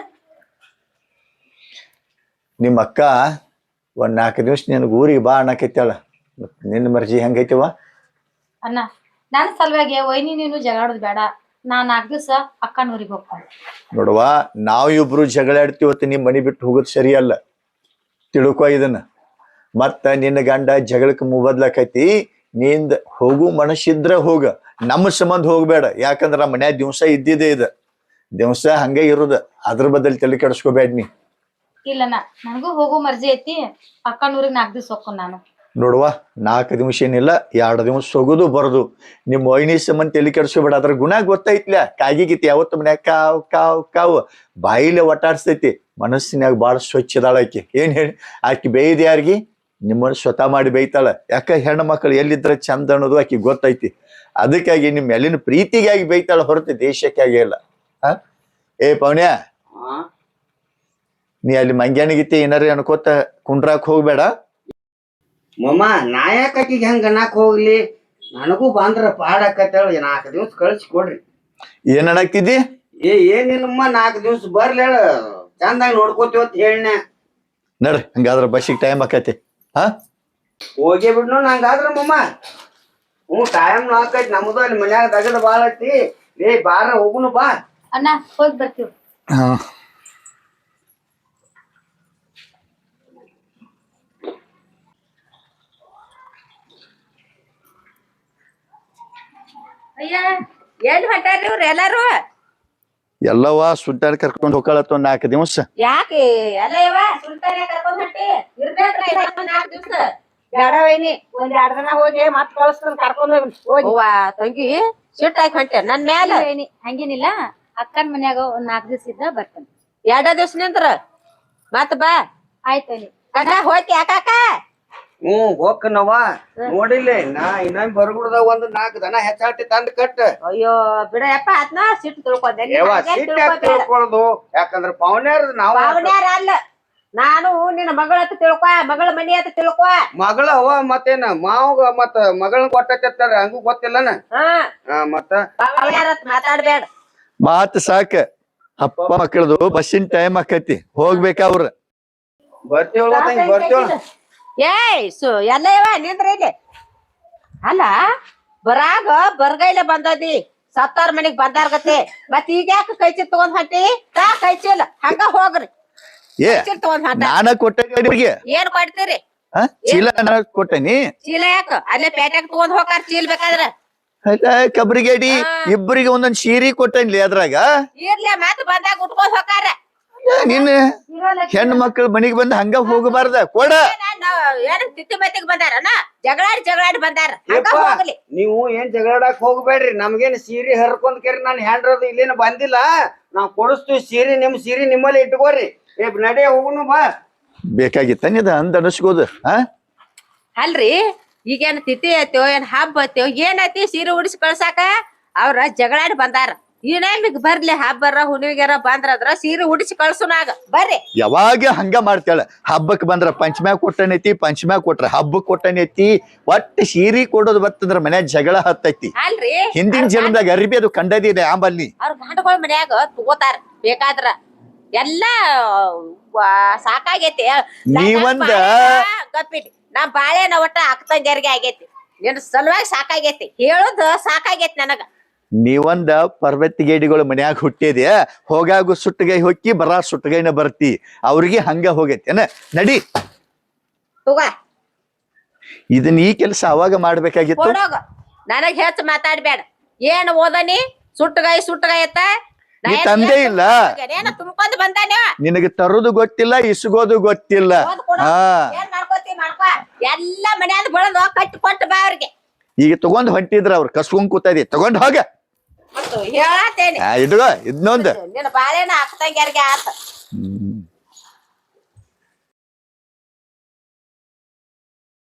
[SPEAKER 1] ನಿಮ್ಮ ಅಕ್ಕ ಒಂದ್ 4 ದಿವ್ಸ ನಿನಗೆ ಊರಿಗೆ ಬಾ ಅನ್ನಕೈತಾಳ. ನಿನ್ನ ಮರ್ಜಿ ಹೆಂಗೈತಿವ?
[SPEAKER 3] ಅಣ್ಣ ನನ್ನ ಸಲುವಾಗಿ ವೈನಿ ನೀನು ಜಗಾಡೋದು ಬೇಡ. ನಾ 4 ದಿವಸ ಅಕ್ಕನೂರಿಗೆ ಹೋಗ್ತಾನೆ.
[SPEAKER 1] ನೋಡುವ, ನಾವ್ ಇಬ್ರು ಜಗಳಾಡ್ತೀವತ್ತು ನಿಮ್ ಮನಿ ಬಿಟ್ಟು ಹೋಗೋದು ಸರಿಯಲ್ಲ. ತಿಳ್ಕೊ ಇದನ್ನ. ಮತ್ತ ನಿನ್ನ ಗಂಡ ಜಗಳಕ್ಕೆ ಮುಬದ್ಲಾಕೈತಿ. ನಿಂದ ಹೋಗು ಮನಸ್ಸಿದ್ರ ಹೋಗ, ನಮ್ಮ ಸಂಬಂಧ ಹೋಗ್ಬೇಡ. ಯಾಕಂದ್ರ ಮನ್ಯಾಗ ದಿವ್ಸ ಇದ್ದಿದೆ ಇದು ದಿವ್ಸ ಹಂಗೆ ಇರುದ. ಅದ್ರ ಬದಲ್ ತಲೆ ಕೆಡಿಸ್ಕೋಬೇಡ ನೀ.
[SPEAKER 3] ಇಲ್ಲಣ್ಣ ನನಗೂ ಹೋಗೋ ಮರ್ಜಿ ಐತಿ. ಅಕ್ಕನೂರಿಗೆ 4 ದಿವಸ ಹೋಗ್ಕೊಂಡು ನಾನು.
[SPEAKER 1] ನೋಡುವ, 4 ದಿವ್ಸ ಏನಿಲ್ಲ, 2 ದಿವ್ಸ ಹೋಗುದು ಬರುದು. ನಿಮ್ ವೈನಿ ಸಂಬಂಧ ತಲೆ ಕೆಡಿಸ್ಕೋಬೇಡ. ಅದ್ರ ಗುಣ ಗೊತ್ತೈತ್ಲ. ಕಾಗಿಗಿತಿ ಯಾವತ್ತು ಮನ್ಯಾಗ ಕಾವ್ ಕಾವ್ ಕಾವ್ ಬಾಯಿಲೆ ಒಟ್ಟಾಡ್ಸ್ತೈತಿ. ಮನಸ್ಸಿನಾಗ ಬಾಳ ಸ್ವಚ್ಛ ಅದಾಳ ಆಕಿ. ಏನ್ ಹೇಳಿ, ಆಕಿ ಬೇಯ್ದ ಯಾರಿಗಿ? ನಿಮ್ಮನ್ನ ಸ್ವತಃ ಮಾಡಿ ಬೈತಾಳ. ಯಾಕ ಹೆಣ್ಣು ಮಕ್ಕಳು ಎಲ್ಲಿದ್ರ ಚಂದ ಅನ್ನೋದು ಆಕಿ ಗೊತ್ತೈತಿ. ಅದಕ್ಕಾಗಿ ನಿಮ್ ಮೇಲಿನ ಪ್ರೀತಿಗಾಗಿ ಬೈತಾಳ ಹೊರತು ದೇಶಕ್ಕಾಗಿ ಇಲ್ಲ. ಏ ಪೌಣ್ಯ, ನೀ ಅಲ್ಲಿ ಮಂಗ್ಯಾನಿಗಿತಿ ಏನಾರ ಅನ್ಕೋತ ಕುಂಡ್ರಾಕ್ ಹೋಗ್ಬೇಡ.
[SPEAKER 4] ಮಮ್ಮ ನಾ ಯಾಕಿಗೆ ಹೆಂಗ ಅನ್ನಕ್ ಹೋಗ್ಲಿ? ನನಗೂ ಬಂದ್ರ ಪಾಡಾಕತ್ತೇಳ. 4 ದಿವ್ಸ ಕಳ್ಸಿ ಕೊಡ್ರಿ.
[SPEAKER 1] ಏನ್ ಅನ್ನಕ್ತಿದ್ದಿ?
[SPEAKER 4] ಏನಿಲ್ಲಮ್ಮ, 4 ದಿವ್ಸ ಬರ್ಲಿ ಹೇಳ, ಚಂದಾಗಿ ನೋಡ್ಕೋತೀವ ಅಂತ ಹೇಳಿನ.
[SPEAKER 1] ನಡ್ರಿ, ಹಂಗಾದ್ರ ಬಸ್ಸಿಗೆ ಟೈಮ್ ಆಕೈತಿ.
[SPEAKER 4] ಹೋಗಿ ಬಿಡ್ನು ನಂಗಾದ್ರ ಮಮ್ಮ. ಟೈಮ್ ಆಕೈತಿ. ನಮ್ದು ಅಲ್ಲಿ ಮನ್ಯಾಗ ದಗದ ಬಾಳ ಐತಿ. ಬಾರ ಹೋಗುನು ಬಾ.
[SPEAKER 3] ಅಣ್ಣ ಹೋಗಿ ಬರ್ತೀವಿ.
[SPEAKER 2] ಅಯ್ಯ ಎಲ್ಲಿ ಹೊಂಟಾರ್ರಿ ಇವ್ರು ಎಲ್ಲಾರು?
[SPEAKER 1] ಎಲ್ಲವ ಸುತ್ತಾಡಿ ಕರ್ಕೊಂಡ್ ಹೋಗ್ಕಳತ್ತ 4 ದಿವ್ಸ.
[SPEAKER 2] ಯಾಕೆ ಎಲ್ಲ ಸುಲ್ತಾನೆ ಕರ್ಕೊಂಡ್ ಹೊಂಟಿ? ಇರ್ಬೇಕ್ರ 4 ದಿವ್ಸ.
[SPEAKER 5] ಬೇಡ ವೈನಿ, ಒಂದ್ 2 ದಿನ ಹೋಗಿ ಮತ್ ಕಳಿಸ್ತಾನ ಕರ್ಕೊಂಡ್ ಹೋಗಿ.
[SPEAKER 2] ಅವ್ವ ತಂಗಿ ಸಿಟ್ಟಾಗಿ ಹೊಂಟೆ ನನ್ ಮ್ಯಾಲ.
[SPEAKER 3] ವೈನಿ ಹಂಗೇನಿಲ್ಲ, ಅಕ್ಕನ ಮನ್ಯಾಗ ಒಂದ್ 4 ದಿವಸ ಇದ್ದ ಬರ್ತಾನೆ.
[SPEAKER 2] 2 ದಿವ್ಸ ನಿಂತ್ರ ಮತ್ ಬಾ.
[SPEAKER 3] ಆಯ್ತು ವೈನಿ.
[SPEAKER 2] ಕಕ್ಕ ಹೋಯ್ತಿ ಯಾಕಾಕ?
[SPEAKER 4] ಹೋಗ್ಕನವ. ನೋಡಿಲ್ಲ ನಾ ಇನ್ನೊಂದ್ ಬರಗುಡ್ದಾಗ 4 ದನ ಹೆಚ್ಚಾಟಿ ತಂದ್ ಕಟ್ಟ.
[SPEAKER 2] ಅಯ್ಯೋ ಬಿಡಯಪ್ಪ, ಅದ್ನ ಸಿಟ್ಟು ತಿಳ್ಕೊಂಡೆ.
[SPEAKER 4] ತಿಳ್ಕೊಳ್ಳೋದು ಯಾಕಂದ್ರ ಪವನ್ಯಾರ ನಾವು
[SPEAKER 2] ಪಾವನ್ಯಾರ ಅಲ್ಲ, ನಾನು ನಿನ್ನ ಮಗಳ ಹತ್ರ ತಿಳ್ಕೊ, ಮಗಳ ಮನಿ ಹತ್ರ ತಿಳ್ಕೊ.
[SPEAKER 4] ಮಗಳ ಅವ ಮತ್ತೇನ ಮಾವಗ ಮತ್ತ ಮಗಳನ್ನ ಕೊಟ್ಟೈತಾರ ಹಂಗೂ ಗೊತ್ತಿಲ್ಲನ. ಮತ್ತ
[SPEAKER 2] ಪಾವನ್ಯಾರ ಹತ್ರ ಮಾತಾಡ್ಬೇಡ.
[SPEAKER 1] ಮಾತ್ ಸಾಕ. ಅಪ್ಪ ಮಕ್ಕಳದು ಬಸ್ಸಿನ ಟೈಮ್ ಆಕೈತಿ, ಹೋಗ್ಬೇಕ ಅವ್ರ.
[SPEAKER 4] ಬರ್ತೇವಳ.
[SPEAKER 2] ಏಯ್ ಎಲ್ಲ ನಿಂದ್ರ ಇಲ್ಲಿ. ಅಲ್ಲ ಬರಾಗ ಬರ್ಗೈಲೆ ಬಂದದಿ, ಸತ್ತಾರ ಮನಿಗ್ ಬಂದಾರ್ಗತಿ. ಮತ್ ಈಗ ಯಾಕೆ ಕೈಚಿ ತಗೊಂಡ್ ಹೊಂಟಿ? ಕೈಚಿಲ್ಲ ಹಂಗ ಹೋಗ್ರಿ.
[SPEAKER 1] ಏ
[SPEAKER 2] ತಗೊಂಡ್ ಹೊಂಟ
[SPEAKER 1] ನಾನ ಕೊಟ್ಟೆ
[SPEAKER 2] ಏನ್ ಕೊಡ್ತೀರಿ
[SPEAKER 1] ಚೀಲ ನಾನ ಕೊಟ್ಟನಿ
[SPEAKER 2] ಚೀಲ ಯಾಕ ಅಲ್ಲೇ ಪೇಟ್ಯಾಗ ತಗೊಂಡ್ ಹೋಗಾರ ಚೀಲ್ ಬೇಕಾದ್ರ
[SPEAKER 1] ಕಬ್ರಿಗೇಡಿ ಇಬ್ಬರಿಗೆ ಒಂದೊಂದ್ ಸೀರೆ ಕೊಟ್ಟನ್ಲಿ ಅದ್ರಾಗ
[SPEAKER 2] ಇರ್ಲಿ ಮತ್ ಬಂದಾಗ ಉಟ್ಕೊಂಡ್ ಹೋಗಾರ
[SPEAKER 1] ನಿನ್ನ ಹೆಣ್ಣು ಮಕ್ಳು ಮನಿಗ್ ಬಂದ್ ಹಂಗ ಹೋಗಬಾರ್ದ ಕೊಡ
[SPEAKER 2] ಏನ್ ತಿತ್ತಿ ಮತ್ತಿಗೆ ಬಂದಾರನ ಜಗಳಾಡಿ ಬಂದಾರ ಹಂಗ ಹೋಗ್ಲಿ
[SPEAKER 4] ನೀವು ಏನ್ ಜಗಳಾಡಕ್ ಹೋಗ್ಬೇಡ್ರಿ ನಮ್ಗೇನ್ ಸೀರೆ ಹರ್ಕೊಂಡ್ ಕೇರಿ ನಾನು ಹ್ಯಾಂಡ್ರದು ಇಲ್ಲೇನು ಬಂದಿಲ್ಲ ನಾವ್ ಕೊಡಿಸ್ತೀವಿ ಸೀರೆ ಸೀರೆ ನಿಮ್ಮಲ್ಲಿ ಇಟ್ಕೋರಿ ನಡೆ ಹೋಗುನು ಬಾ
[SPEAKER 1] ಬೇಕಾಗಿತ್ತ ನಿದ ಅಂದ್ ಅನಸ್ಕೋದು
[SPEAKER 2] ಅಲ್ರಿ ಈಗೇನ್ ತಿಥಿ ಐತೋ ಏನ್ ಹಬ್ಬ ಐತೋ ಏನೈತಿ ಸೀರೆ ಉಡಿಸಿ ಕಳ್ಸಾಕ ಅವ್ರ ಜಗಳಾಡಿ ಬಂದಾರ ಏನೇನ್ ಬರ್ಲಿ ಹಬ್ಬರ ಹುಣ್ಣಿಗೆರ ಬಂದ್ರದ್ರ ಸೀರೆ ಉಡಿಸಿ ಕಳ್ಸುನಾಗ ಬರ್ರಿ
[SPEAKER 1] ಯಾವಾಗ ಹಂಗ ಮಾಡ್ತಾಳ ಹಬ್ಬಕ್ ಬಂದ್ರ ಪಂಚಮ್ಯಾಗ ಕೊಟ್ಟನೈತಿ ಪಂಚಮ್ಯಾಗ ಕೊಟ್ರ ಹಬ್ಬಕ್ ಕೊಟ್ಟನೈತಿ ಒಟ್ಟು ಸೀರೆ ಕೊಡೋದು ಬರ್ತಂದ್ರ ಮನ್ಯಾಗ ಜಗಳ ಹತ್ತೈತಿ
[SPEAKER 2] ಅಲ್ರಿ
[SPEAKER 1] ಹಿಂದಿನ ಜನ್ಮದಾಗ ಅರಿಬಿ ಅದು ಕಂಡದಿದೆ ಆಂಬಲ್ಲಿ
[SPEAKER 2] ಅವ್ರ ಗಂಡಗಳ ಮನ್ಯಾಗ ತಗೋತಾರ ಬೇಕಾದ್ರ ಎಲ್ಲಾ ಸಾಕಾಗೈತಿ
[SPEAKER 1] ನೀವಂದ
[SPEAKER 2] ಗಪ್ಪಿಟಿ ನಮ್ ಬಾಳೆನ ಒಟ್ಟ ಅಕ್ಕಂಗ್ಯಾರಿಗೆ ಆಗೈತಿ ನಿನ್ ಸಲುವಾಗಿ ಸಾಕಾಗೈತಿ ಹೇಳುದ ಸಾಕಾಗೈತಿ ನನಗ
[SPEAKER 1] ನೀವಂದ ಪರ್ವತಿಗೇಡಿಗಳು ಮನ್ಯಾಗ ಹುಟ್ಟಿದೆ ಹೋಗಾಗು ಸುಟ್ಟಗೈ ಹೊಕ್ಕಿ ಬರಾ ಸುಟ್ಟಗೈನ ಬರ್ತಿ ಅವ್ರಿಗೆ ಹಂಗ ಹೋಗೈತೇನ ನಡಿ
[SPEAKER 2] ತಗೋ
[SPEAKER 1] ಇದನ್ನ ಈ ಕೆಲಸ ಅವಾಗ ಮಾಡ್ಬೇಕಾಗಿತ್ತು
[SPEAKER 2] ಕೊಡೋಗ ನನಗ್ ಹೆಚ್ಚು ಮಾತಾಡ್ಬೇಡ ಏನ್ ಓದನಿ ಸುಟ್ಟಗಾಯಿ ಅತ್ತ
[SPEAKER 1] ನೀ ತಂದೆ ಇಲ್ಲ
[SPEAKER 2] ಏನ ತುಂಬ್ಕೊಂಡ್ ಬಂದಾನೆ
[SPEAKER 1] ನಿನಗೆ ತರೋದು ಗೊತ್ತಿಲ್ಲ ಇಸ್ಗೋದು ಗೊತ್ತಿಲ್ಲ ಹಾ
[SPEAKER 2] ಏನ್ ಮಾಡ್ಕೋತಿ ಮಾಡ್ಕೋ ಎಲ್ಲ ಮನ್ಯಾಗ ಬೆಳೆದು ಕಟ್ಟಿ ಕೊಟ್ಟು ಬಾ ಅವ್ರಿಗೆ
[SPEAKER 1] ಈಗ ತಗೊಂಡ್ ಹೊಂಟಿದ್ರ ಅವ್ರು ಕಸ್ಕೊಂಡ್ ಕೂತದಿ ತಗೊಂಡ್ ಹೋಗ
[SPEAKER 2] ಹೇಳತ್ತೇನೆ
[SPEAKER 1] ಇದ್ಗೋ ಇದನ್ನೊಂದು
[SPEAKER 2] ನಿನ್ನ ಬಾಳೆನ ಅಕ್ಕಂಗ್ಯಾರಿಗೆ ಆತ